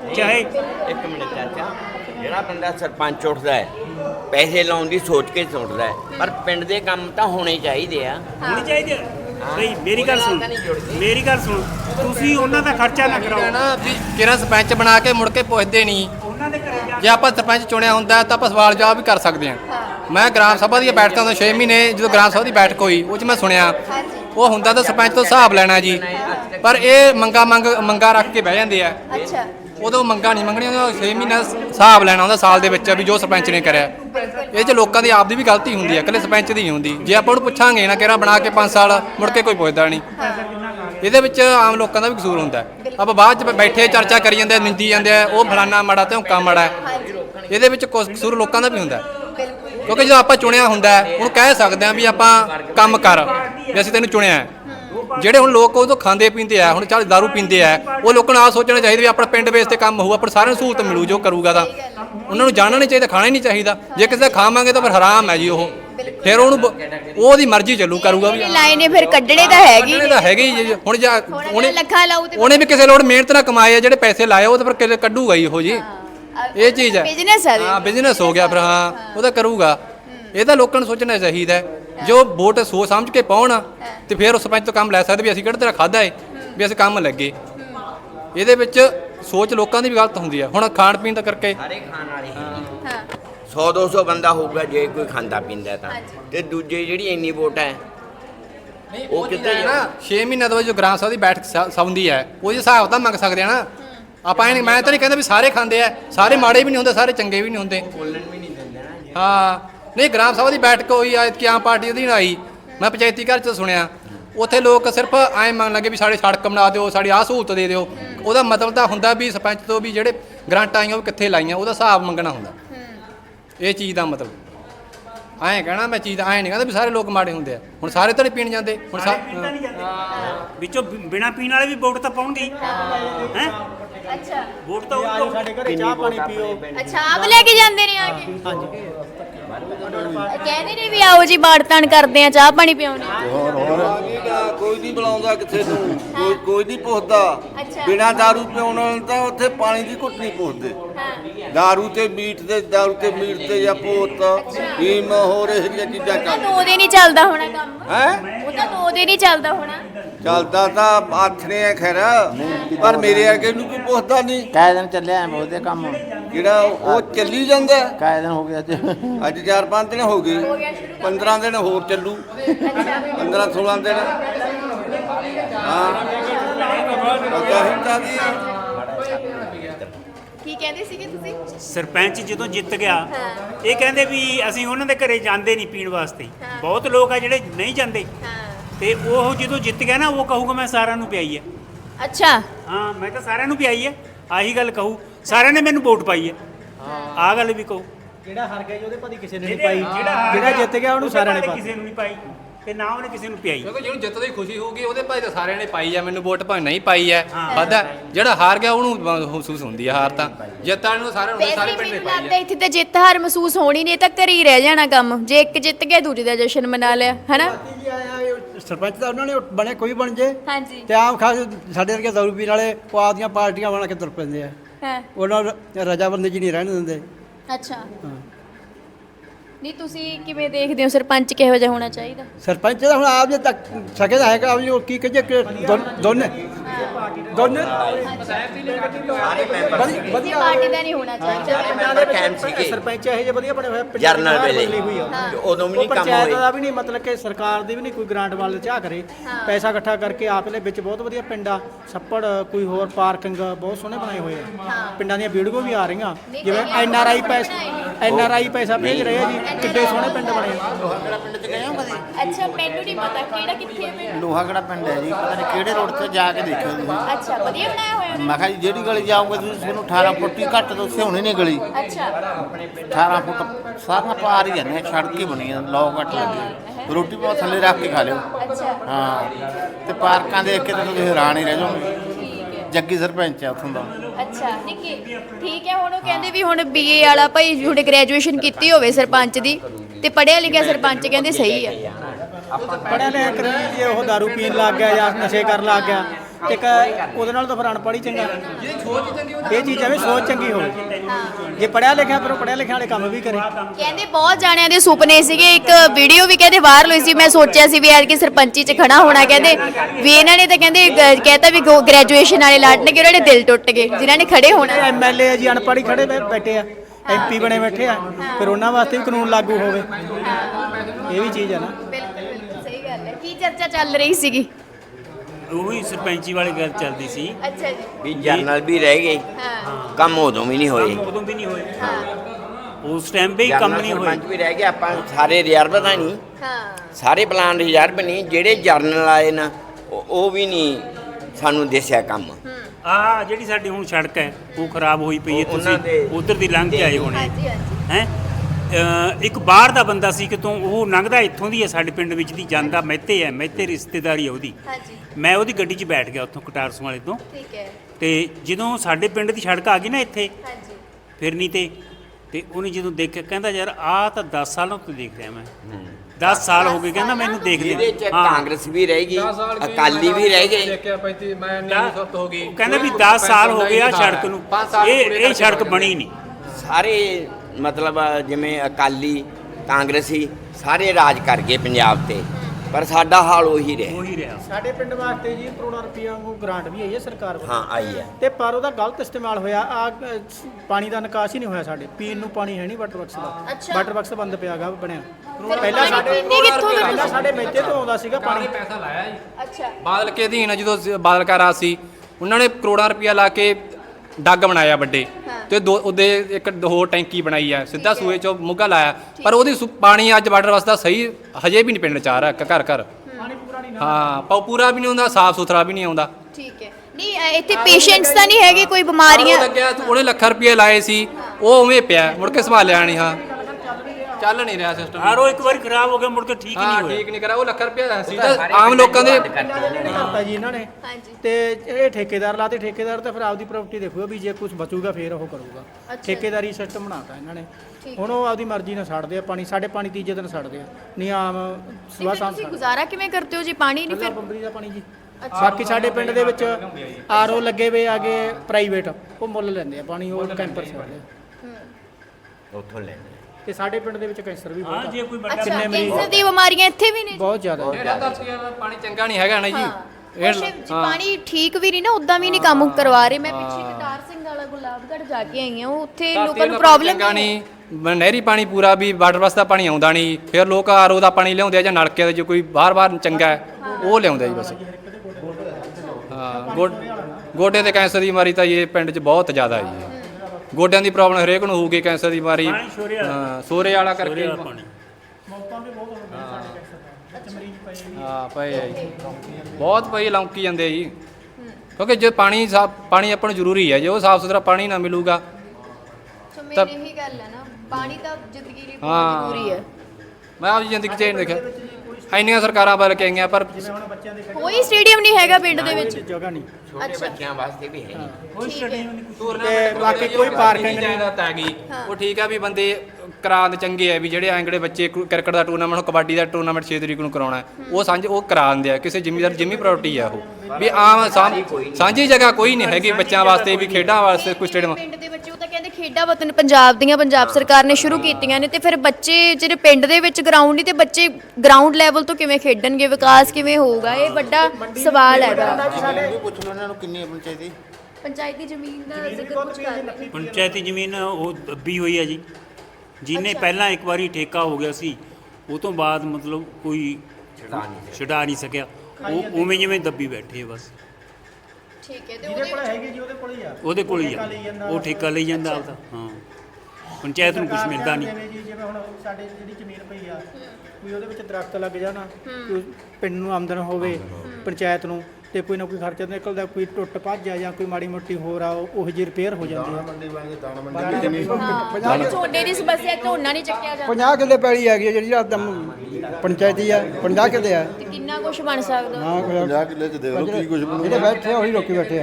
ਚਾਹੇ ਇੱਕ ਮਿੰਟ ਚਾਚਾ, ਜਿਹੜਾ ਬੰਦਾ ਸਰਪੰਚ ਉੱਠਦਾ ਹੈ ਪੈਸੇ ਲਾਉਣ ਦੀ ਸੋਚ ਕੇ ਉੱਠਦਾ ਹੈ, ਪਰ ਪਿੰਡ ਦੇ ਕੰਮ ਤਾਂ ਹੋਣੇ ਚਾਹੀਦੇ ਆ। ਹੋਣੀ ਚਾਹੀਦੀ ਹੈ ਬਈ। ਮੇਰੀ ਗੱਲ ਸੁਣ, ਮੇਰੀ ਗੱਲ ਸੁਣ, ਤੁਸੀਂ ਉਹਨਾਂ ਦਾ ਖਰਚਾ ਨਾ ਕਰਾਓ। ਨਾ ਵੀ ਕਿਹੜਾ ਸਰਪੰਚ ਬਣਾ ਕੇ ਮੁੜ ਕੇ ਪੁੱਛਦੇ ਨਹੀਂ। ਉਹਨਾਂ ਦੇ ਘਰੇ ਜਾ ਜੇ ਆਪਾਂ ਸਰਪੰਚ ਚੁਣਿਆ ਹੁੰਦਾ ਤਾਂ ਆਪਾਂ ਸਵਾਲ ਜਵਾਬ ਵੀ ਕਰ ਸਕਦੇ ਹਾਂ। ਮੈਂ ਗ੍ਰਾਮ ਸਭਾ ਦੀਆਂ ਬੈਠਕਾਂ ਤੋਂ 6 ਮਹੀਨੇ ਜਦੋਂ ਗ੍ਰਾਮ ਸਭਾ ਦੀ ਬੈਠਕ ਹੋਈ ਉਹ 'ਚ ਮੈਂ ਸੁਣਿਆ ਉਹ ਹੁੰਦਾ ਤਾਂ ਸਰਪੰਚ ਤੋਂ ਹਿਸਾਬ ਲੈਣਾ ਜੀ, ਪਰ ਇਹ ਮੰਗਾ ਰੱਖ ਕੇ ਬਹਿ ਜਾਂਦੇ ਆ। ਅੱਛਾ ਉਦੋਂ ਮੰਗਾ ਨਹੀਂ ਮੰਗਣੀਆਂ, 6 ਮਹੀਨੇ ਹਿਸਾਬ ਲੈਣਾ ਹੁੰਦਾ ਸਾਲ ਦੇ ਵਿੱਚ ਵੀ ਜੋ ਸਰਪੰਚ ਨੇ ਕਰਿਆ। ਇਹ 'ਚ ਲੋਕਾਂ ਦੀ ਆਪਦੀ ਵੀ ਗਲਤੀ ਹੁੰਦੀ ਹੈ, ਇਕੱਲੇ ਸਰਪੰਚ ਦੀ ਨਹੀਂ ਹੁੰਦੀ। ਜੇ ਆਪਾਂ ਉਹਨੂੰ ਪੁੱਛਾਂਗੇ ਨਾ ਕਿਹੜਾ ਬਣਾ ਕੇ 5 ਸਾਲ ਮੁੜ ਕੇ ਕੋਈ ਪੁੱਛਦਾ ਨਹੀਂ। ਇਹਦੇ ਵਿੱਚ ਆਮ ਲੋਕਾਂ ਦਾ ਵੀ ਕਸੂਰ ਹੁੰਦਾ। ਆਪਾਂ ਬਾਅਦ 'ਚ ਬੈਠੇ ਚਰਚਾ ਕਰੀ ਜਾਂਦੇ, ਨਿੰਦੀ ਜਾਂਦੇ ਆ, ਉਹ ਫਲਾਨਾ ਮਾੜਾ ਤੇ ਹੁੱਕਾ ਮਾੜਾ। ਇਹਦੇ ਵਿੱਚ ਕਸੂਰ ਲੋਕਾਂ ਦਾ ਵੀ ਹੁੰਦਾ, ਕਿਉਂਕਿ ਜਦੋਂ ਆਪਾਂ ਚੁਣਿਆ ਹੁੰਦਾ ਉਹਨੂੰ ਕਹਿ ਸਕਦੇ ਆ ਵੀ ਆਪਾਂ ਕੰਮ ਕਰ, ਵੀ ਅਸੀਂ ਤੈਨੂੰ ਚੁਣਿਆ ਹੈ। ਜਿਹੜੇ ਹੁਣ ਲੋਕ ਉਹ ਤੋਂ ਖਾਂਦੇ ਪੀਂਦੇ ਆ, ਹੁਣ ਚੱਲ ਦਾਰੂ ਪੀਂਦੇ ਆ, ਉਹ ਲੋਕਾਂ ਨੂੰ ਆ ਸੋਚਣਾ ਚਾਹੀਦਾ ਵੀ ਆਪਣਾ ਪਿੰਡ ਬੇਸ ਤੇ ਕੰਮ ਹੋਊ, ਆਪਾਂ ਸਾਰਿਆਂ ਨੂੰ ਸਹੂਲਤ ਮਿਲੂ ਜੋ ਕਰੂਗਾ ਤਾਂ। ਉਹਨਾਂ ਨੂੰ ਜਾਣਨਾ ਨਹੀਂ ਚਾਹੀਦਾ, ਖਾਣਾ ਹੀ ਨਹੀਂ ਚਾਹੀਦਾ। ਜੇ ਕਿਸੇ ਦਾ ਖਾਵਾਂਗੇ ਤਾਂ ਫਿਰ ਹਰਾਮ ਹੈ ਜੀ ਉਹ, ਫਿਰ ਉਹਨੂੰ ਉਹਦੀ ਮਰਜ਼ੀ ਚੱਲੂ ਕਰੂਗਾ ਵੀ। ਲਾਈਨੇ ਫਿਰ ਕੱਢਣੇ ਤਾਂ ਹੈਗੀ ਕੱਢਣੇ ਤਾਂ ਹੈਗੇ ਹੀ ਜੀ। ਹੁਣ ਉਹਨੇ ਲੱਖਾਂ ਲਾਊ ਤੇ ਉਹਨੇ ਵੀ ਕਿਸੇ ਲੋੜ ਮਿਹਨਤ ਨਾਲ ਕਮਾਏ ਆ, ਜਿਹੜੇ ਪੈਸੇ ਲਾਏ ਉਹ ਤਾਂ ਫਿਰ ਕਿਤੇ ਕੱਢੂਗਾ ਹੀ ਉਹ ਜੀ। ਇਹ ਚੀਜ਼ ਹੈ, ਬਿਜ਼ਨਸ ਹੈ। ਹਾਂ ਬਿਜ਼ਨਸ ਹੋ ਗਿਆ ਫਿਰ। ਹਾਂ ਉਹ ਤਾਂ ਕਰੂਗਾ। ਇਹ ਤਾਂ ਲੋਕਾਂ ਨੂੰ ਸੋਚਣਾ ਚਾਹੀਦਾ ਹੈ। ਜੋ ਵੋਟ ਸੋਚ ਸਮਝ ਕੇ ਪਾਉਣ ਤੇ ਫਿਰ ਉਸ ਸਰਪੰਚ ਤੋਂ ਕੰਮ ਲੈ ਸਕਦੇ ਵੀ ਅਸੀਂ ਕਿਹੜਾ ਤੇਰਾ ਖਾਦਾ ਹੈ ਵੀ ਅਸੀਂ ਕੰਮ ਲੱਗੇ। ਇਹਦੇ ਵਿੱਚ ਸੋਚ ਲੋਕਾਂ ਦੀ ਵੀ ਗਲਤ ਹੁੰਦੀ ਹੈ। ਹੁਣ ਖਾਣ ਪੀਣ ਦਾ ਕਰਕੇ ਸਾਰੇ ਖਾਣ ਵਾਲੇ ਹਾਂ 100-200 ਬੰਦਾ ਹੋਊਗਾ ਜੇ ਕੋਈ ਖਾਂਦਾ ਪੀਂਦਾ ਤਾਂ, ਤੇ ਦੂਜੇ ਜਿਹੜੀ ਇੰਨੀ ਵੋਟ ਹੈ ਉਹ ਕਿਤੇ ਨਾ 6 ਮਹੀਨਿਆਂ ਤੋਂ ਬਾਅਦ ਜੋ ਗ੍ਰਾਮ ਸਭਾ ਦੀ ਬੈਠਕ ਸੌਂਦੀ ਹੈ ਉਹਦੇ ਹਿਸਾਬ ਤਾਂ ਮੰਗ ਸਕਦੇ ਆ ਨਾ ਆਪਾਂ। ਇਹ ਮੈਂ ਤਾਂ ਨਹੀਂ ਕਹਿੰਦਾ ਵੀ ਸਾਰੇ ਖਾਂਦੇ ਆ, ਸਾਰੇ ਮਾੜੇ ਵੀ ਨਹੀਂ ਹੁੰਦੇ, ਸਾਰੇ ਚੰਗੇ ਵੀ ਨਹੀਂ ਹੁੰਦੇ। ਬੋਲਣ ਵੀ ਨਹੀਂ ਦਿੰਦੇ ਨਾ। ਹਾਂ ਨਹੀਂ, ਗ੍ਰਾਮ ਸਭਾ ਦੀ ਬੈਠਕ ਹੋਈ ਆ ਕਿ ਆਮ ਪਾਰਟੀ ਅਧੀਨ ਆਈ, ਮੈਂ ਪੰਚਾਇਤੀ ਘਰ 'ਚ ਸੁਣਿਆ। ਉੱਥੇ ਲੋਕ ਸਿਰਫ ਐਂ ਮੰਨ ਲੱਗੇ ਵੀ ਸਾਡੇ ਸੜਕ ਬਣਾ ਦਿਓ, ਸਾਡੀ ਆਹ ਸਹੂਲਤ ਦੇ ਦਿਓ। ਉਹਦਾ ਮਤਲਬ ਤਾਂ ਹੁੰਦਾ ਵੀ ਸਰਪੰਚ ਤੋਂ ਵੀ ਜਿਹੜੇ ਗ੍ਰਾਂਟਾਂ ਆਈਆਂ ਉਹ ਕਿੱਥੇ ਲਾਈਆਂ, ਉਹਦਾ ਹਿਸਾਬ ਮੰਗਣਾ ਹੁੰਦਾ। ਇਹ ਚੀਜ਼ ਦਾ ਮਤਲਬ ਐਂ ਕਹਿਣਾ ਮੈਂ ਚੀਜ਼ ਐਂ ਨਹੀਂ ਕਹਿੰਦਾ ਵੀ ਸਾਰੇ ਲੋਕ ਮਾੜੇ ਹੁੰਦੇ ਆ। ਹੁਣ ਸਾਰੇ ਤਾਂ ਨਹੀਂ ਪੀਣ ਜਾਂਦੇ। ਹੁਣ ਵਿੱਚੋਂ ਬਿਨਾ ਪੀਣ ਵਾਲੇ ਵੀ ਵੋਟ ਤਾਂ ਪਾਉਣਗੇ ਹੀ ਹੈ। ਅੱਛਾ ਵੋਟ ਤਾਂ ਉਹ ਸਾਡੇ ਘਰੇ ਚਾਹ ਪਾਣੀ ਪੀਓ। ਅੱਛਾ ਆਪ ਲੈ ਕੇ ਜਾਂਦੇ ਨੇ ਆ ਕੇ। ਹਾਂਜੀ ਕਹਿੰਦੇ ਨੇ ਵੀ ਆਓ ਜੀ ਬਾੜ ਤਾਣ ਕਰਦੇ ਆ, ਚਾਹ ਪਾਣੀ ਪਿਆਉਣੇ। ਕੋਈ ਨਹੀਂ ਬੁਲਾਉਂਦਾ ਕਿਸੇ ਨੂੰ, ਕੋਈ ਨਹੀਂ ਪੁੱਛਦਾ। ਬਿਨਾਂ ਦਾਰੂ ਪਿਉਣ ਵਾਲੇ ਤਾਂ ਉੱਥੇ ਪਾਣੀ ਦੀ ਘੁੱਟ ਨਹੀਂ ਪੁੱਛਦੇ। ਦਾਰੂ ਤੇ ਮੀਟ ਤੇ ਜਾਂ ਪੋਤ ਈਮ ਹੋਰ ਇਹ ਜਿਹੀਆਂ ਚੀਜ਼ਾਂ ਚੱਲਦੀਆਂ। ਦੋ ਦਿਨ ਹੀ ਚੱਲਦਾ ਹੋਣਾ ਕੰਮ ਹੈ ਉਹ ਤਾਂ 2 ਦਿਨ ਹੀ ਚੱਲਦਾ ਹੋਣਾ। ਚੱਲਦਾ ਤਾਂ ਹੱਥ ਨੇ ਆ ਖੈਰ, ਪਰ ਮੇਰੇ ਵਰਗੇ ਨੂੰ ਕੋਈ ਪੁੱਛਦਾ ਨਹੀਂ। ਕਾਇ ਦਿਨ ਚੱਲਿਆ ਉਹਦੇ ਕੰਮ ਜਿਹੜਾ ਉਹ ਚੱਲੀ ਜਾਂਦਾ। ਕਾਇ ਦਿਨ ਹੋ ਗਿਆ ਅੱਜ 4-5 ਦਿਨ ਹੋ ਗਏ, 15 ਦਿਨ ਹੋਰ ਚੱਲੂ। 15-16 ਦਿਨ। ਹਾਂ ਪਤਾ ਹੁੰਦਾ ਜੀ। ਕੀ ਕਹਿੰਦੇ ਸੀਗੇ ਤੁਸੀਂ? ਸਰਪੰਚ ਜਦੋਂ ਜਿੱਤ ਗਿਆ ਇਹ ਕਹਿੰਦੇ ਵੀ ਅਸੀਂ ਉਹਨਾਂ ਦੇ ਘਰੇ ਜਾਂਦੇ ਨਹੀਂ ਪੀਣ ਵਾਸਤੇ। ਬਹੁਤ ਲੋਕ ਆ ਜਿਹੜੇ ਨਹੀਂ ਜਾਂਦੇ, ਤੇ ਉਹ ਜਦੋਂ ਜਿੱਤ ਗਿਆ ਨਾ ਉਹ ਕਹੂਗਾ ਮੈਂ ਸਾਰਿਆਂ ਨੂੰ ਪਿਆਈ ਹੈ। ਅੱਛਾ ਹਾਂ ਮੈਂ ਤਾਂ ਸਾਰਿਆਂ ਨੂੰ ਪਿਆਈ ਹੈ, ਆਹੀ ਗੱਲ ਕਹੂ। ਸਾਰਿਆਂ ਨੇ ਮੈਨੂੰ ਵੋਟ ਪਾਈ ਹੈ, ਆਹ ਗੱਲ ਵੀ ਕਹੂ। ਜਿਹੜਾ ਹਾਰ ਗਿਆ ਜੀ ਉਹਦੇ ਭਾਦੀ ਕਿਸੇ ਨੇ ਨਹੀਂ ਪਾਈ, ਜਿਹੜਾ ਜਿੱਤ ਗਿਆ ਉਹਨੂੰ ਸਾਰਿਆਂ ਨੇ ਪਾਈ। ਕਿਸੇ ਨੂੰ ਨਹੀਂ ਪਾਈ ਤੇ ਨਾ ਉਹਨੇ ਕਿਸੇ ਨੂੰ ਪਿਆਈ। ਕਿਉਂਕਿ ਜਿਹਨੂੰ ਜਿੱਤ ਦੀ ਖੁਸ਼ੀ ਹੋਊਗੀ ਉਹਦੇ ਭਾਈ ਤਾਂ ਸਾਰਿਆਂ ਨੇ ਪਾਈ ਆ, ਮੈਨੂੰ ਵੋਟ ਭਾਵੇਂ ਨਹੀਂ ਪਾਈ ਹੈ ਵਾਦਾ। ਜਿਹੜਾ ਹਾਰ ਗਿਆ ਉਹਨੂੰ ਮਹਿਸੂਸ ਹੁੰਦੀ ਹੈ ਹਾਰ ਤਾਂ। ਜਿੱਤ ਵਾਲੇ ਨੂੰ ਸਾਰਿਆਂ ਨੂੰ ਸਾਰੇ ਪਿੰਡ ਨੇ ਪਾਈ ਲੱਗਦਾ ਇੱਥੇ ਤੇ ਜਿੱਤ ਹਾਰ ਮਹਿਸੂਸ ਹੋਣੀ ਨਹੀਂ, ਤਾਂ ਘਰੇ ਹੀ ਰਹਿ ਜਾਣਾ ਕੰਮ। ਜੇ ਇੱਕ ਜਿੱਤ ਗਿਆ ਦੂਜੇ ਦਾ ਜਸ਼ਨ ਮਨਾ ਲਿਆ ਹਨਾ। ਸਰਪੰਚ ਤਾਂ ਉਹਨਾਂ ਨੇ ਬਣੇ ਕੋਈ ਬਣ ਜੇ ਹਾਂਜੀ ਤੇ ਆਮ ਖਾਸ ਸਾਡੇ ਵਰਗੇ ਦਾਰੂ ਪੀਣ ਵਾਲੇ ਉਹ ਆਪਦੀਆਂ ਪਾਰਟੀਆਂ ਬਣਾ ਕੇ ਤੁਰ ਪੈਂਦੇ ਆ। ਹਾਂ ਉਹਨਾਂ ਨੂੰ ਰਜਾਬੰਦੀ 'ਚ ਨਹੀਂ ਰਹਿਣ ਦਿੰਦੇ। ਅੱਛਾ ਨਹੀਂ ਤੁਸੀਂ ਕਿਵੇਂ ਦੇਖਦੇ ਹੋ ਸਰਪੰਚ ਕਿਹੋ ਜਿਹਾ ਹੋਣਾ ਚਾਹੀਦਾ? ਸਰਪੰਚ ਦਾ ਹੁਣ ਆਪ ਜੇ ਤੱਕ ਸਕੇ ਦਾ ਹੈਗਾ ਆਪ ਜੀ ਉਹ ਕੀ ਕਹੇ ਕਿ ਦੋਨੇ ਵਧੀਆ ਪਾਰਟੀ ਦਾ ਨਹੀਂ ਹੋਣਾ ਚਾਹੀਦਾ। ਮੈਂਬਰ ਕਾਇਮ ਸੀਗੇ ਸਰਪੰਚ ਇਹੋ ਜਿਹੇ ਵਧੀਆ ਬਣੇ ਹੋਏ ਆ, ਜਰਨਲ ਵੇਲੇ, ਬਦਲੀ ਹੋਈ ਆ। ਉਦੋਂ ਵੀ ਨਹੀਂ ਕੰਮ ਪੰਚਾਇਤ ਹੋਏ। ਦਾ ਵੀ ਨਹੀਂ, ਮਤਲਬ ਕਿ ਸਰਕਾਰ ਦੀ ਵੀ ਨਹੀਂ ਕੋਈ ਗ੍ਰਾਂਟ ਵੱਲ ਝਾਕ ਕਰੇ। ਪੈਸਾ ਇਕੱਠਾ ਕਰਕੇ ਆਪਲੇ ਵਿੱਚ ਬਹੁਤ ਵਧੀਆ ਪਿੰਡਾਂ ਛੱਪੜ ਕੋਈ ਹੋਰ ਪਾਰਕਿੰਗ ਬਹੁਤ ਸੋਹਣੇ ਬਣਾਏ ਹੋਏ ਆ। ਪਿੰਡਾਂ ਦੀਆਂ ਵੀਡੀਓ ਵੀ ਆ ਰਹੀਆਂ, ਜਿਵੇਂ NRI ਪੈਸਾ ਭੇਜ ਰਹੇ ਆ ਜੀ। ਕਿੱਡੇ ਸੋਹਣੇ ਪਿੰਡ ਬਣੇ ਆ। ਲੋਹਾਗੜਾ ਪਿੰਡ 'ਚ ਗਏ ਹੋ ਕਦੇ? ਅੱਛਾ ਮੈਨੂੰ ਨਹੀਂ ਪਤਾ ਕਿਹੜਾ ਕਿੱਥੇ ਹੈ ਪਿੰਡ। ਲੋਹਾਗੜਾ ਪਿੰਡ ਹੈ ਜੀ, ਪਤਾ ਨਹੀਂ ਕਿਹੜੇ ਰੋਡ ਤੇ ਜਾ ਕੇ ਦੇਖਿਓ ਤੁਸੀਂ। ਅੱਛਾ ਵਧੀਆ ਬਣਾਇਆ ਹੋਇਆ ਉਹਨੇ। ਮੈਂ ਕਿਹਾ ਜੀ ਜਿਹੜੀ ਗਲੀ ਜਾਓਗੇ ਤੁਸੀਂ ਤੁਹਾਨੂੰ 18 ਫੁੱਟ ਹੀ ਘੱਟ ਤੋਂ ਉੱਥੇ ਹੋਣੀ ਨਹੀਂ ਗਲੀ। ਅੱਛਾ 18 ਫੁੱਟ ਸਾਰੀਆਂ ਪਾਰ ਹੀ ਜਾਂਦੇ, ਸੜਕ ਹੀ ਬਣੀ ਆ, ਲੌ ਘੱਟ ਲੱਗੇ। ਰੋਟੀ ਬਹੁਤ ਥੱਲੇ ਰੱਖ ਕੇ ਖਾ ਲਿਓ। ਅੱਛਾ ਹਾਂ ਤੇ ਪਾਰਕਾਂ ਦੇਖ ਕੇ ਤਾਂ ਤੁਸੀਂ ਹੈਰਾਨ ਹੀ ਰਹਿ ਜਾਓਗੇ। ਜੱਗੀ ਸਰਪੰਚ ਆ ਉੱਥੋਂ ਦਾ। ਅੱਛਾ ਠੀਕ ਹੈ। ਹੁਣ ਉਹ ਕਹਿੰਦੇ ਵੀ ਹੁਣ BA ਵਾਲਾ ਭਾਈ ਹੁਣ ਗ੍ਰੈਜੂਏਸ਼ਨ ਕੀਤੀ ਹੋਵੇ ਸਰਪੰਚ ਦੀ, ਤੇ ਪੜ੍ਹਿਆ ਲਿਖਿਆ ਸਰਪੰਚ ਕਹਿੰਦੇ ਸਹੀ ਆ। ਪੜ੍ਹਿਆ ਲਿਖਿਆ ਕਰੀ ਜੇ ਉਹ ਦਾਰੂ ਪੀਣ ਲੱਗ ਗਿਆ ਜਾਂ ਨਸ਼ੇ ਕਰਨ ਲੱਗ ਗਿਆ ਤੇ ਉਹਦੇ ਨਾਲ ਤਾਂ ਫਿਰ ਅਨਪੜ੍ਹ ਹੀ ਚੰਗਾ। ਇਹ ਚੀਜ਼ ਐਵੇਂ ਸੋਚ ਚੰਗੀ ਹੋਵੇ, ਜੇ ਪੜਿਆ ਲਿਖਿਆ ਫਿਰ ਉਹ ਪੜਿਆ ਲਿਖਿਆ ਵਾਲੇ ਕੰਮ ਵੀ ਕਰੇ। ਕਹਿੰਦੇ ਬਹੁਤ ਜਾਣਿਆਂ ਦੇ ਸੁਪਨੇ ਸੀਗੇ, ਇੱਕ ਵੀਡੀਓ ਵੀ ਕਹਿੰਦੇ ਵਾਇਰਲ ਹੋਈ ਸੀ, ਮੈਂ ਸੋਚਿਆ ਸੀ ਵੀ ਯਾਰ ਕਿ ਸਰਪੰਚੀ 'ਚ ਖੜਾ ਹੋਣਾ, ਕਹਿੰਦੇ ਵੀ ਇਹਨਾਂ ਨੇ ਤਾਂ ਕਹਿੰਦੇ ਕਹਿਤਾ ਵੀ ਗ੍ਰੈਜੂਏਸ਼ਨ ਵਾਲੇ ਲੜਨਗੇ, ਉਹਨਾਂ ਦੇ ਦਿਲ ਟੁੱਟ ਗਏ ਜਿਨ੍ਹਾਂ ਨੇ ਖੜੇ ਹੋਣਾ। ਐਮਐਲਏ ਜੀ ਅਨਪੜ੍ਹ ਹੀ ਖੜੇ ਬੈਠੇ ਆ, ਐਮਪੀ ਬਣੇ ਬੈਠੇ ਆ, ਫਿਰ ਉਹਨਾਂ ਵਾਸਤੇ ਵੀ ਕਾਨੂੰਨ ਲਾਗੂ ਹੋਵੇ, ਇਹ ਵੀ ਚੀਜ਼ ਹੈ ਨਾ। ਬਿਲਕੁਲ ਸਹੀ ਗੱਲ ਹੈ। ਕੀ ਚਰਚਾ ਚੱਲ ਰਹੀ ਸੀਗੀ? ਉਹੀ ਸਰਪੰਚੀ ਵਾਲੀ ਗੱਲ ਚੱਲਦੀ ਸੀ ਅੱਛਾ ਜੀ। ਵੀ ਜਰਨਲ ਵੀ ਰਹਿ ਗਏ, ਕੰਮ ਉਦੋਂ ਵੀ ਨਹੀਂ ਹੋਏ। ਉਦੋਂ ਵੀ ਨਹੀਂ ਹੋਏ, ਉਸ ਟਾਈਮ 'ਤੇ ਹੀ ਕੰਮ ਨਹੀਂ ਹੋਏ। ਸਰਪੰਚ ਵੀ ਰਹਿ ਗਏ, ਆਪਾਂ ਸਾਰੇ ਰਿਜ਼ਰਵ ਤਾਂ ਨਹੀਂ, ਸਾਰੇ ਪਲਾਨ ਰਿਜ਼ਰਵ ਨਹੀਂ, ਜਿਹੜੇ ਜਰਨਲ ਆਏ ਨਾ ਉਹ ਵੀ ਨਹੀਂ ਸਾਨੂੰ ਦਿਸਿਆ ਕੰਮ। ਆਹ ਜਿਹੜੀ ਸਾਡੀ ਹੁਣ ਸੜਕ ਹੈ ਉਹ ਖਰਾਬ ਹੋਈ ਪਈ ਹੈ, ਤੁਸੀਂ ਉਧਰ ਦੀ ਲੰਘ ਕੇ ਆਏ ਹੋਣੇ ਹੈ। ਇੱਕ ਬਾਹਰ ਦਾ ਬੰਦਾ ਸੀ ਕਿਤੋਂ, ਉਹ ਲੰਘਦਾ ਇੱਥੋਂ ਦੀ ਹੈ, ਸਾਡੇ ਪਿੰਡ ਵਿੱਚ ਦੀ ਜਾਂਦਾ, ਮਹਿਤੇ ਹੈ, ਮਹਿਤੇ ਰਿਸ਼ਤੇਦਾਰੀ ਹੈ ਉਹਦੀ। ਮੈਂ ਉਹਦੀ ਗੱਡੀ 'ਚ ਬੈਠ ਗਿਆ ਉੱਥੋਂ ਕਟਾਰਸ ਵਾਲੇ ਤੋਂ, ਤੇ ਜਦੋਂ ਸਾਡੇ ਪਿੰਡ ਦੀ ਸੜਕ ਆ ਗਈ ਨਾ ਇੱਥੇ ਫਿਰਨੀ ਤੇ ਉਹਨੇ ਜਦੋਂ ਦੇਖਿਆ ਕਹਿੰਦਾ ਯਾਰ ਆਹ ਤਾਂ 10 ਸਾਲਾਂ ਤੋਂ ਦੇਖ ਰਿਹਾ ਮੈਂ, 10 ਸਾਲ ਹੋ ਗਏ ਕਹਿੰਦਾ ਮੈਨੂੰ ਦੇਖਦੇ। ਕਾਂਗਰਸ ਵੀ ਰਹਿ ਗਈ, ਅਕਾਲੀ ਵੀ ਰਹਿ ਗਏ, ਕਹਿੰਦਾ ਵੀ 10 ਸਾਲ ਹੋ ਗਏ ਆ ਸੜਕ ਨੂੰ, ਇਹ ਸੜਕ ਬਣੀ ਨਹੀਂ। ਸਾਰੇ ਮਤਲਬ ਜਿਵੇਂ ਅਕਾਲੀ ਕਾਂਗਰਸੀ ਸਾਰੇ ਰਾਜ ਕਰ ਗਏ ਪੰਜਾਬ ਤੇ, ਪਰ ਸਾਡਾ ਹਾਲ ਉਹੀ ਰਿਹਾ। ਸਾਡੇ ਪਿੰਡ ਵਾਸਤੇ ਜੀ ਕਰੋੜਾਂ ਰੁਪਈਆ ਨੂੰ ਗ੍ਰਾਂਟ ਵੀ ਆਈ ਹੈ ਸਰਕਾਰ ਵੱਲੋਂ। ਹਾਂ ਆਈ ਹੈ, ਤੇ ਪਰ ਉਹਦਾ ਗਲਤ ਇਸਤੇਮਾਲ ਹੋਇਆ। ਆ ਪਾਣੀ ਦਾ ਨਿਕਾਸ ਹੀ ਨਹੀਂ ਹੋਇਆ, ਸਾਡੇ ਪੀਣ ਨੂੰ ਪਾਣੀ ਹੈ ਨਹੀਂ ਵਾਟਰ ਬਕਸ ਦਾ, ਵਾਟਰ ਬਕਸ ਬੰਦ ਪਿਆਗਾ ਬਣਿਆ। ਪਹਿਲਾਂ ਸਾਡੇ ਮੇਤੇ ਤੋਂ ਆਉਂਦਾ ਸੀਗਾ ਪਾਣੀ। ਪੈਸਾ ਲਾਇਆ ਜੀ ਅੱਛਾ ਬਾਦਲ ਕੇ ਅਧੀਨ, ਜਦੋਂ ਬਾਦਲ ਕਾ ਰਾਜ ਸੀ ਉਹਨਾਂ ਨੇ ਕਰੋੜਾਂ ਰੁਪਇਆ ਲਾ ਕੇ ਡੱਗ ਬਣਾਇਆ ਵੱਡੇ, ਤੇ ਉਹਦੇ ਇੱਕ ਹੋਰ ਟੈਂਕੀ ਬਣਾਈ ਆ, ਸਿੱਧਾ ਸੂਏ ਚੋਂ ਮੁੱਗਾ ਲਾਇਆ, ਪਰ ਉਹਦੀ ਪਾਣੀ ਅੱਜ ਵਾਟਰ ਵਸਦਾ ਸਹੀ ਹਜੇ ਵੀ ਨਹੀਂ ਪਿੰਡ ਚ ਆ ਰਿਹਾ, ਘਰ ਘਰ ਹਾਂ ਪੂਰਾ ਵੀ ਨਹੀਂ ਆਉਂਦਾ, ਸਾਫ ਸੁਥਰਾ ਵੀ ਨਹੀਂ ਆਉਂਦਾ। ਠੀਕ ਹੈ, ਨਹੀਂ ਇੱਥੇ ਪੇਸ਼ੈਂਟਸ ਤਾਂ ਨਹੀਂ ਹੈਗੇ, ਕੋਈ ਬਿਮਾਰੀਆਂ ਲੱਗਿਆ ਉਹਨੇ ਲੱਖਾਂ ਰੁਪਏ ਲਾਏ ਸੀ, ਉਹ ਉਵੇਂ ਪਿਆ, ਮੁੜ ਕੇ ਸੰਭਾਲਿਆ ਨਹੀਂ। ਹਾਂ ਚੱਲ ਨਹੀਂ ਰਿਹਾ ਸਿਸਟਮ, ਆਰੋ ਇੱਕ ਵਾਰੀ ਖਰਾਬ ਹੋ ਗਿਆ, ਮੁੜ ਕੇ ਠੀਕ ਹੀ ਨਹੀਂ ਹੋਇਆ। ਠੀਕ ਨਹੀਂ ਕਰਾ, ਉਹ ਲੱਖ ਰੁਪਏ ਸੀ ਆਮ ਲੋਕਾਂ ਦੇ ਕਰਤਾ ਜੀ ਇਹਨਾਂ ਨੇ। ਤੇ ਇਹ ਠੇਕੇਦਾਰ ਲਾਤੇ, ਠੇਕੇਦਾਰ ਤਾਂ ਫਿਰ ਆਪਦੀ ਪ੍ਰਾਪਰਟੀ ਦੇਖੂਗਾ ਵੀ ਜੇ ਕੁਝ ਬਚੂਗਾ ਫਿਰ ਉਹ ਕਰੂਗਾ। ਠੇਕੇਦਾਰੀ ਸਿਸਟਮ ਬਣਾਤਾ ਇਹਨਾਂ ਨੇ, ਹੁਣ ਉਹ ਆਪਦੀ ਮਰਜ਼ੀ ਨਾਲ ਛੱਡਦੇ ਆ ਪਾਣੀ। ਸਾਡੇ ਪਾਣੀ ਤੀਜੇ ਦਿਨ ਛੱਡਦੇ ਆ, ਨਹੀਂ ਆਮ ਸਵੇਰ ਸ਼ਾਮ। ਤੁਸੀਂ ਗੁਜ਼ਾਰਾ ਕਿਵੇਂ ਕਰਦੇ ਹੋ ਜੀ ਪਾਣੀ ਨਹੀਂ? ਫਿਰ ਬੰਬਰੀ ਦਾ ਪਾਣੀ ਜੀ। ਬਾਕੀ ਸਾਡੇ ਪਿੰਡ ਦੇ ਵਿੱਚ ਆਰਓ ਲੱਗੇ ਵੇ ਆਗੇ ਪ੍ਰਾਈਵੇਟ, ਉਹ ਮੁੱਲ ਲੈਂਦੇ ਆ ਪਾਣੀ, ਉਹ ਕੈਂਪਰ ਛੱਡਦੇ ਆ ਉੱਥੋਂ ਲੈਂਦੇ। ਤੇ ਸਾਡੇ ਪਿੰਡ ਦੇ ਵਿੱਚ ਕੈਂਸਰ ਵੀ ਬਹੁਤ ਆ। ਜੇ ਕੋਈ ਕੈਂਸਰ ਦੀ ਬਿਮਾਰੀਆਂ ਇੱਥੇ ਵੀ ਨੇ ਬਹੁਤ ਜ਼ਿਆਦਾ। ਪਾਣੀ ਚੰਗਾ ਨਹੀਂ ਹੈਗਾ ਨਾ ਜੀ, ਪਾਣੀ ਠੀਕ ਵੀ ਨਹੀਂ ਨਾ, ਉਦਾਂ ਵੀ ਨਹੀਂ ਕੰਮ ਕਰਵਾ ਰਹੇ। ਮੈਂ ਪਿੱਛੇ ਕਟਾਰ ਸਿੰਘ ਵਾਲਾ ਗੁਲਾਬਗੜ੍ਹ ਜਾ ਕੇ ਆਈ ਹਾਂ, ਉੱਥੇ ਲੋਕਾਂ ਨੂੰ ਪ੍ਰੋਬਲਮ ਨਹੀਂ, ਨਹਿਰੀ ਪਾਣੀ ਪੂਰਾ ਵੀ ਵਾਟਰ ਬਸ ਦਾ ਪਾਣੀ ਆਉਂਦਾ ਨਹੀਂ, ਫਿਰ ਲੋਕ ਆਰਓ ਦਾ ਪਾਣੀ ਲਿਆਉਂਦੇ ਆ ਜਾਂ ਨਲਕੇ ਦਾ, ਜੇ ਕੋਈ ਬਾਹਰ ਚੰਗਾ ਹੈ ਉਹ ਲਿਆਉਂਦੇ ਜੀ ਬਸ। ਹਾਂ ਗੋਡੇ ਤੇ ਕੈਂਸਰ ਦੀ ਬਿਮਾਰੀ ਤਾਂ ਇਹ ਪਿੰਡ 'ਚ ਬਹੁਤ ਜ਼ਿਆਦਾ ਹੈ ਜੀ, ਗੋਡਿਆਂ ਦੀ ਪ੍ਰੋਬਲਮ ਹਰੇਕ ਨੂੰ ਹੋਊਗੀ, ਕੈਂਸਰ ਦੀ ਬਿਮਾਰੀ ਹਾਂ ਸੋਰੇ ਵਾਲਾ ਕਰਕੇ ਹਾਂ ਪਏ ਆ ਜੀ, ਬਹੁਤ ਪਏ ਲੌਂਕੀ ਜਾਂਦੇ ਜੀ, ਕਿਉਂਕਿ ਜੇ ਪਾਣੀ ਪਾਣੀ ਆਪਾਂ ਨੂੰ ਜ਼ਰੂਰੀ ਹੈ, ਜੇ ਉਹ ਸਾਫ਼ ਸੁਥਰਾ ਪਾਣੀ ਨਾ ਮਿਲੂਗਾ ਤਾਂ ਇਹੀ ਗੱਲ ਹੈ ਨਾ, ਪਾਣੀ ਤਾਂ ਜ਼ਿੰਦਗੀ ਲਈ ਬਹੁਤ ਜ਼ਰੂਰੀ ਹੈ। ਮੈਂ ਆਪਣੀ ਜ਼ਿੰਦਗੀ 'ਚ ਇਹ ਨਹੀਂ ਦੇਖਿਆ, ਇੰਨੀਆਂ ਸਰਕਾਰਾਂ ਬਦਲ ਕੇ ਆਈਆਂ ਪਰ ਕੋਈ ਸਟੇਡੀਅਮ ਨਹੀਂ ਹੈਗਾ ਪਿੰਡ ਦੇ ਵਿੱਚ, ਜਗ੍ਹਾ ਨਹੀਂ ਛੋਟੇ ਬੱਚਿਆਂ ਵਾਸਤੇ ਵੀ ਹੈ ਤੇ ਬਾਕੀ ਕੋਈ ਪਾਰਕਿੰਗ ਨਹੀਂ ਹੈਗੀ। ਉਹ ਠੀਕ ਆ ਵੀ ਬੰਦੇ ਕਰਾਉਣ ਚੰਗੇ ਆ, ਵੀ ਜਿਹੜੇ ਐਂਗੜੇ ਬੱਚੇ ਕ੍ਰਿਕਟ ਦਾ ਟੂਰਨਾਮੈਂਟ, ਕਬੱਡੀ ਦਾ ਟੂਰਨਾਮੈਂਟ 6 ਤਰੀਕ ਨੂੰ ਕਰਾਉਣਾ, ਉਹ ਉਹ ਕਰਾ ਦਿੰਦੇ ਆ, ਕਿਸੇ ਜ਼ਿਮੀਦਾਰ ਜਿੰਮੀ ਪ੍ਰਾਪਰਟੀ ਆ ਉਹ ਵੀ ਆਮ ਸਾਂਝੀ ਜਗ੍ਹਾ ਕੋਈ ਨਹੀਂ ਹੈਗੀ ਬੱਚਿਆਂ ਵਾਸਤੇ ਵੀ ਖੇਡਾਂ ਵਾਸਤੇ ਕੋਈ ਸਟੇਡੀਅਮ। ਪਿੰਡ ਦੇ ਬੱਚੇ ਉਹ ਤਾਂ ਕਹਿੰਦੇ ਖੇਡਾਂ ਵਤਨ ਪੰਜਾਬ ਦੀਆਂ, ਪੰਜਾਬ ਸਰਕਾਰ ਨੇ ਸ਼ੁਰੂ ਕੀਤੀਆਂ ਨੇ, ਤੇ ਫਿਰ ਬੱਚੇ ਜਿਹੜੇ ਪਿੰਡ ਦੇ ਵਿੱਚ ਗਰਾਊਂਡ ਨਹੀਂ, ਤੇ ਬੱਚੇ ਗਰਾਊਂਡ ਲੈਵਲ ਤੋਂ ਕਿਵੇਂ ਖੇਡਣਗੇ, ਵਿਕਾਸ ਕਿਵੇਂ ਹੋਊਗਾ, ਇਹ ਵੱਡਾ ਸਵਾਲ ਹੈਗਾ। ਪੁੱਛ ਲਓ ਇਹਨਾਂ ਨੂੰ ਕਿੰਨੀ ਪੰਚਾਇਤੀ ਪੰਚਾਇਤੀ ਜ਼ਮੀਨ ਦਾ ਜ਼ਿਕਰ ਕੁਝ ਕਰ ਰਹੇ। ਪੰਚਾਇਤੀ ਜ਼ਮੀਨ ਉਹ ਦੱਬੀ ਹੋਈ ਹੈ ਜੀ, ਜਿਹਨੇ ਪਹਿਲਾਂ ਇੱਕ ਵਾਰੀ ਠੇਕਾ ਹੋ ਗਿਆ ਸੀ, ਉਹ ਤੋਂ ਬਾਅਦ ਮਤਲਬ ਕੋਈ ਛਡਾ ਨਹੀਂ ਸਕਿਆ, ਉਹ ਉਵੇਂ ਜਿਵੇਂ ਦੱਬੀ ਬੈਠੇ ਬਸ। ਠੀਕ ਹੈ, ਤੇ ਜਿਹਦੇ ਕੋਲ ਹੈਗੀ ਜੀ ਉਹਦੇ ਕੋਲ ਹੀ ਆ, ਉਹਦੇ ਕੋਲ ਹੀ ਆ, ਉਹ ਠੇਕਾ ਲਈ ਜਾਂਦਾ ਆਪਦਾ। ਹਾਂ ਪੰਚਾਇਤ ਨੂੰ ਕੁਝ ਮਿਲਦਾ ਨਹੀਂ। ਜਿਵੇਂ ਹੁਣ ਸਾਡੇ ਜਿਹੜੀ ਜ਼ਮੀਨ ਪਈ ਆ, ਕੋਈ ਉਹਦੇ ਵਿੱਚ ਦਰਖਤ ਲੱਗ ਜਾਣਾ, ਕੋਈ ਪਿੰਡ ਨੂੰ ਆਮਦਨ ਹੋਵੇ, ਪੰਚਾਇਤ ਨੂੰ, ਤੇ ਕੋਈ ਨਾ ਕੋਈ ਖਰਚਾ ਨਿਕਲਦਾ, ਕੋਈ ਟੁੱਟ ਭੱਜ ਆ ਜਾਂ ਕੋਈ ਮਾੜੀ ਮੋਟੀ ਹੋਰ ਆ, ਉਹ ਜਿਹੀ ਰਿਪੇਅਰ ਹੋ ਜਾਂਦੀ ਆ। ਝੋਨੇ ਦੀ ਸਮੱਸਿਆ, ਝੋਨਾ ਨਹੀਂ ਚੱਕਿਆ ਜਾਂਦਾ। 50 ਕਿੱਲੇ ਪੈਲੀ ਹੈਗੀ ਆ ਜਿਹੜੀ ਪੰਚਾਇਤੀ ਆ, 50 ਕਿੱਲੇ ਆ। ਤੇ ਕਿੰਨਾ ਕੁਝ ਬਣ ਸਕਦਾ? ਹਾਂ 50 ਕਿੱਲੇ ਚ ਦੇਖ ਲਓ ਕੀ ਕੁਝ ਜਿਹੜੇ ਬੈਠੇ ਆ ਉਹੀ ਲੋਕੀ ਬੈਠੇ ਆ।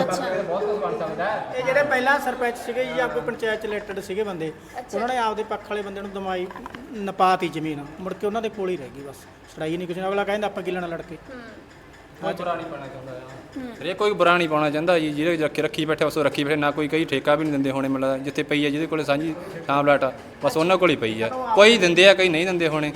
ਇਹ ਜਿਹੜੇ ਪਹਿਲਾਂ ਸਰਪੰਚ ਸੀਗੇ ਜਾਂ ਕੋਈ ਪੰਚਾਇਤ ਚ ਰਿਲੇਟਡ ਸੀਗੇ ਬੰਦੇ, ਉਹਨਾਂ ਨੇ ਆਪਦੇ ਪੱਖ ਵਾਲੇ ਬੰਦੇ ਨੂੰ ਦਮਾਈ ਨਪਾਤੀ ਜ਼ਮੀਨ, ਮੁੜ ਕੇ ਉਹਨਾਂ ਦੇ ਕੋਲ ਹੀ ਰਹਿ ਗਈ ਬਸ, ਛੜਾਈ ਨਹੀਂ ਕੁਛ। ਅਗਲਾ ਕਹਿੰਦਾ ਆਪਾਂ ਕੀ ਲੈਣਾ ਲੜ ਕੇ, ਕੋਈ ਬੁਰਾ ਨਹੀਂ ਪਾਉਣਾ ਚਾਹੁੰਦਾ ਹਰੇਕ ਕੋਈ ਬੁਰਾ ਨਹੀਂ ਪਾਉਣਾ ਚਾਹੁੰਦਾ ਜੀ, ਜਿਹੜੇ ਰੱਖੀ ਬੈਠੇ ਉਸ ਰੱਖੀ ਬੈਠੇ, ਨਾ ਕੋਈ ਕਈ ਠੇਕਾ ਵੀ ਨਹੀਂ ਦਿੰਦੇ ਹੋਣੇ, ਮਤਲਬ ਜਿੱਥੇ ਪਈ ਹੈ ਜਿਹਦੇ ਕੋਲੇ ਸਾਂਝੀ ਥਾਂ ਪਲਾਟ ਆ ਬਸ ਉਹਨਾਂ ਕੋਲ ਹੀ ਪਈ ਆ, ਕੋਈ ਦਿੰਦੇ ਆ ਕਈ ਨਹੀਂ ਦਿੰਦੇ ਹੋਣੇ,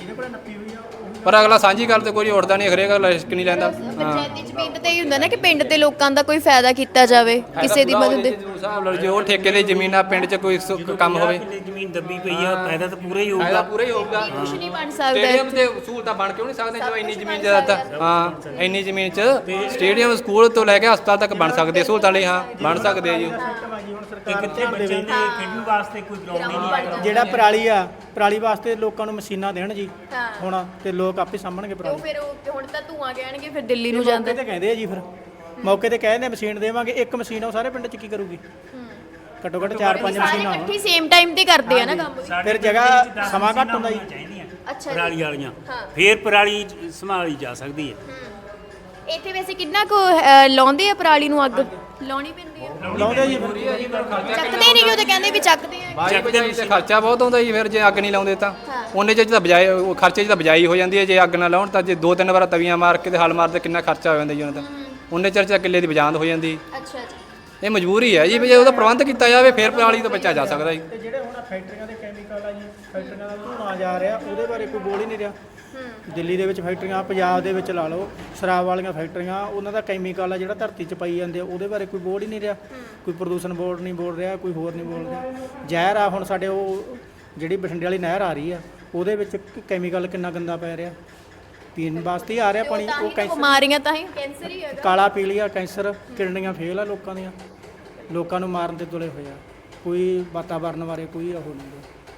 ਪਰ ਅਗਲਾ ਸਾਂਝੀ ਗੱਲ ਤੇ ਕੋਈ ਉੱਠਦਾ ਨਹੀਂ, ਹਰੇਕ ਅਗਲਾ ਰਿਸਕ ਨਹੀਂ ਲੈਂਦਾ। ਪੰਚਾਇਤੀ ਜ਼ਮੀਨ ਤੇ ਇਹ ਹੁੰਦਾ ਨਾ ਕਿ ਪਿੰਡ ਦੇ ਲੋਕਾਂ ਦਾ ਕੋਈ ਫਾਇਦਾ ਕੀਤਾ ਜਾਵੇ ਕਿਸੇ ਦੀ ਮਦਦ ਦੇ। ਹਿਸਾਬ ਨਾਲ ਜੇ ਉਹ ਠੇਕੇ ਦੀ ਜ਼ਮੀਨ ਆ ਪਿੰਡ 'ਚ ਕੋਈ ਕੰਮ ਹੋਵੇ, ਜ਼ਮੀਨ ਦੱਬੀ ਪਈ ਆ, ਫਾਇਦਾ ਤਾਂ ਪੂਰਾ ਹੀ ਹੋਊਗਾ। ਪੂਰਾ ਹੀ ਹੋਊਗਾ। ਕੁਝ ਨਹੀਂ ਬਣ ਸਕਦਾ ਸਟੇਡੀਅਮ ਤੇ ਸਹੂਲਤਾਂ ਬਣ ਕਿਉਂ ਨਹੀਂ ਸਕਦੇ ਜੋ ਇੰਨੀ ਜ਼ਮੀਨ 'ਚ ਤਾਂ ਹਾਂ ਇੰਨੀ ਜ਼ਮੀਨ 'ਚ ਸਟੇਡੀਅਮ ਸਕੂਲ ਤੋਂ ਲੈ ਕੇ ਹਸਪਤਾਲ ਤੱਕ ਬਣ ਸਕਦੇ, ਸਹੂਲਤਾਂ ਲਈ ਹਾਂ ਬਣ ਸਕਦੇ ਆ ਜੀ। ਕਿੱਥੇ ਬੱਚਿਆਂ ਦੇ ਖੇਡਣ ਵਾਸਤੇ ਕੋਈ ਗਰਾਊਂਡ ਹੀ ਨਹੀਂ ਹੈ। ਜਿਹੜਾ ਪਰਾਲੀ ਵਾਸਤੇ ਲੋਕਾਂ ਨੂੰ ਮਸ਼ੀਨਾਂ ਦੇਣ ਜੀ ਹੁਣ, ਤੇ ਲੋਕ ਆਪੇ ਸਾਂਭਣਗੇ ਪਰਾਲੀ। ਫਿਰ ਉਹ ਹੁਣ ਤਾਂ ਧੂਆਂ ਕਹਿਣਗੇ, ਫਿਰ ਦਿੱਲੀ ਨੂੰ ਜਾਂਦੇ ਮੌਕੇ ਤੇ ਕਹਿੰਦੇ ਆ ਜੀ, ਫਿਰ ਮੌਕੇ ਤੇ ਕਹਿੰਦੇ ਮਸ਼ੀਨ ਦੇਵਾਂਗੇ, ਇੱਕ ਮਸ਼ੀਨ ਉਹ ਸਾਰੇ ਪਿੰਡ 'ਚ ਕੀ ਕਰੂਗੀ? ਘੱਟੋ ਘੱਟ 4-5 ਮਸ਼ੀਨਾਂ ਹੋਣ, ਇਕੱਠੀ ਸੇਮ ਟਾਈਮ ਤੇ ਕਰਦੇ ਆ ਨਾ ਕੰਮ। ਫਿਰ ਜਗ੍ਹਾ ਸਮਾਂ ਘੱਟ ਹੁੰਦਾ ਜੀ। ਅੱਛਾ ਜੀ। ਪਰਾਲੀ ਵਾਲੀਆਂ ਫੇਰ ਪਰਾਲੀ ਸੰਭਾਲੀ ਜਾ ਸਕਦੀ ਹੈ। ਇੱਥੇ ਵੈਸੇ ਕਿੰਨਾ ਕੁ ਲਾਉਂਦੇ ਆ ਪਰਾਲੀ ਨੂੰ ਅੱਗ? ਲਾਉਣੀ ਪੈਂਦੀ ਆ, ਲਾਉਂਦੇ ਜੀ। ਚੱਕਦੇ ਨਹੀਂ ਕਿ ਉਹ ਤਾਂ ਕਹਿੰਦੇ ਵੀ ਚੱਕਦੇ ਆ। ਬਾਈ ਤੇ ਖਰਚਾ ਬਹੁਤ ਆਉਂਦਾ ਜੀ, ਫਿਰ ਜੇ ਅੱਗ ਨਹੀਂ ਲਾਉਂਦੇ ਤਾਂ ਉਹਨੇ 'ਚ ਤਾਂ ਬਜਾਏ ਉਹ ਖਰਚੇ 'ਚ ਤਾਂ ਬਜਾਈ ਹੋ ਜਾਂਦੀ ਹੈ, ਜੇ ਅੱਗ ਨਾ ਲਾਉਣ ਤਾਂ ਜੇ 2-3 ਵਾਰ ਤਵੀਆਂ ਮਾਰ ਕੇ ਤੇ ਹਲ ਮਾਰਦੇ ਕਿੰਨਾ ਖਰਚਾ ਹੋ ਜਾਂਦਾ ਜੀ ਉਹਨਾਂ ਦਾ, ਉਹਨੇ ਚਿਰ 'ਚ ਕਿੱਲੇ ਦੀ ਬਜਾਂਦ ਹੋ ਜਾਂਦੀ। ਅੱਛਾ ਜੀ। ਇਹ ਮਜਬੂਰੀ ਹੈ ਜੀ, ਵੀ ਜੇ ਉਹਦਾ ਪ੍ਰਬੰਧ ਕੀਤਾ ਜਾਵੇ ਫਿਰ ਪਰਾਲੀ ਤੋਂ ਬਚਿਆ ਜਾ ਸਕਦਾ ਜੀ। ਤੇ ਜਿਹੜੇ ਹੁਣ ਫੈਕਟਰੀਆਂ ਦੇ ਕੈਮੀਕਲ ਆ ਜੀ, ਫੈਕਟਰੀਆਂ ਦਾ ਧੂੰਆਂ ਜਾ ਰਿਹਾ, ਉਹਦੇ ਬਾਰੇ ਕੋਈ ਬੋਲ ਹੀ ਨਹੀਂ ਰਿਹਾ। ਦਿੱਲੀ ਦੇ ਵਿੱਚ ਫੈਕਟਰੀਆਂ, ਪੰਜਾਬ ਦੇ ਵਿੱਚ ਲਾ ਲਓ ਸ਼ਰਾਬ ਵਾਲੀਆਂ ਫੈਕਟਰੀਆਂ, ਉਹਨਾਂ ਦਾ ਕੈਮੀਕਲ ਆ ਜਿਹੜਾ ਧਰਤੀ 'ਚ ਪਾਈ ਜਾਂਦੇ ਆ, ਉਹਦੇ ਬਾਰੇ ਕੋਈ ਬੋਲ ਹੀ ਨਹੀਂ ਰਿਹਾ। ਕੋਈ ਪ੍ਰਦੂਸ਼ਣ ਬੋਰਡ ਨਹੀਂ ਬੋਲ ਰਿਹਾ, ਕੋਈ ਹੋਰ ਨਹੀਂ ਬੋਲ ਰਿਹਾ। ਜ਼ਹਿਰ ਆ ਹੁਣ ਸਾਡੇ ਉਹ ਜਿਹੜੀ ਬਠਿੰਡੇ ਵਾਲੀ ਨਹਿਰ ਆ ਰਹੀ ਆ, ਉਹਦੇ ਵਿੱਚ ਕੈਮੀਕਲ ਕਿੰਨਾ ਗੰਦਾ ਪੈ ਰਿਹਾ, ਪੀਣ ਵਾਸਤੇ ਹੀ ਆ ਰਿਹਾ ਪਾਣੀ। ਉਹ ਕੈਂਸਰ ਬਿਮਾਰੀਆਂ ਤਾਂ ਹੀ ਕੈਂਸਰ ਹੀ ਹੈਗਾ। ਕਾਲਾ ਪੀਲੀਆ, ਕੈਂਸਰ, ਕਿਡਨੀਆਂ ਫੇਲ ਆ ਲੋਕਾਂ ਦੀਆਂ, ਲੋਕਾਂ ਨੂੰ ਮਾਰਨ ਤੇ ਤੁਲੇ ਹੋਏ ਆ। ਕੋਈ ਵਾਤਾਵਰਨ ਬਾਰੇ ਕੋਈ ਉਹ ਨਹੀਂ।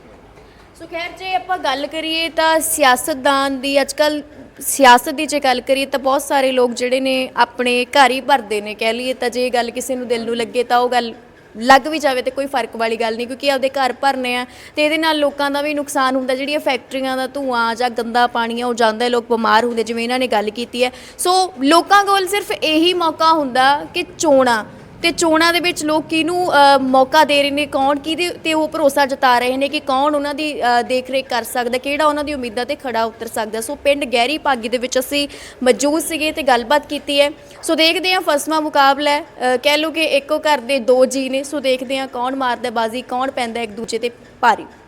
ਸੋ ਖੈਰ ਜੇ ਆਪਾਂ ਗੱਲ ਕਰੀਏ ਤਾਂ ਸਿਆਸਤਦਾਨ ਦੀ ਅੱਜਕੱਲ ਸਿਆਸਤ ਦੀ ਜੇ ਗੱਲ ਕਰੀਏ ਤਾਂ ਬਹੁਤ ਸਾਰੇ ਲੋਕ ਜਿਹੜੇ ਨੇ ਆਪਣੇ ਘਰ ਹੀ ਭਰਦੇ ਨੇ, ਕਹਿ ਲਈਏ ਤਾਂ ਜੇ ਗੱਲ ਕਿਸੇ ਨੂੰ ਦਿਲ ਨੂੰ ਲੱਗੇ ਤਾਂ ਉਹ ਗੱਲ ਲੱਗ ਵੀ ਜਾਵੇ ਤੇ ਕੋਈ ਫਰਕ ਵਾਲੀ ਗੱਲ ਨਹੀਂ, ਕਿਉਂਕਿ ਆਪਦੇ ਘਰ ਭਰਨੇ ਆ ਤੇ ਇਹਦੇ ਨਾਲ ਲੋਕਾਂ ਦਾ ਵੀ ਨੁਕਸਾਨ ਹੁੰਦਾ। ਜਿਹੜੀਆਂ ਫੈਕਟਰੀਆਂ ਦਾ ਧੂਆਂ ਜਾਂ ਗੰਦਾ ਪਾਣੀ ਆ ਉਹ ਜਾਂਦਾ, ਲੋਕ ਬਿਮਾਰ ਹੁੰਦੇ, ਜਿਵੇਂ ਇਹਨਾਂ ਨੇ ਗੱਲ ਕੀਤੀ ਹੈ। ਸੋ ਲੋਕਾਂ ਕੋਲ ਸਿਰਫ ਇਹੀ ਮੌਕਾ ਹੁੰਦਾ ਕਿ ਚੋਣਾਂ, ਤੇ ਚੋਣਾਂ ਦੇ ਵਿੱਚ ਲੋਕ ਕਿਹਨੂੰ ਮੌਕਾ ਦੇ ਰਹੇ ਨੇ, ਕੌਣ ਕਿਹਦੇ ਤੇ ਉਹ ਭਰੋਸਾ ਜਤਾ ਰਹੇ ਨੇ ਕਿ ਕੌਣ ਉਹਨਾਂ ਦੀ ਦੇਖ ਰੇਖ ਕਰ ਸਕਦਾ, ਕਿਹੜਾ ਉਹਨਾਂ ਦੀ ਉਮੀਦਾਂ ਤੇ ਖੜਾ ਉਤਰ ਸਕਦਾ। ਸੋ ਪਿੰਡ ਗਹਿਰੀ ਭਾਗੀ ਦੇ ਵਿੱਚ ਅਸੀਂ ਮੌਜੂਦ ਸੀਗੇ ਤੇ ਗੱਲਬਾਤ ਕੀਤੀ ਹੈ। ਸੋ ਦੇਖਦੇ ਹਾਂ ਫਸਵਾਂ ਮੁਕਾਬਲਾ ਹੈ, ਕਹਿ ਲਓ ਕਿ ਇੱਕੋ ਘਰ ਦੇ 2 ਜੀ ਨੇ। ਸੋ ਦੇਖਦੇ ਹਾਂ ਕੌਣ ਮਾਰਦਾ ਬਾਜ਼ੀ, ਕੌਣ ਪੈਂਦਾ ਇੱਕ ਦੂਜੇ ਤੇ ਭਾਰੀ।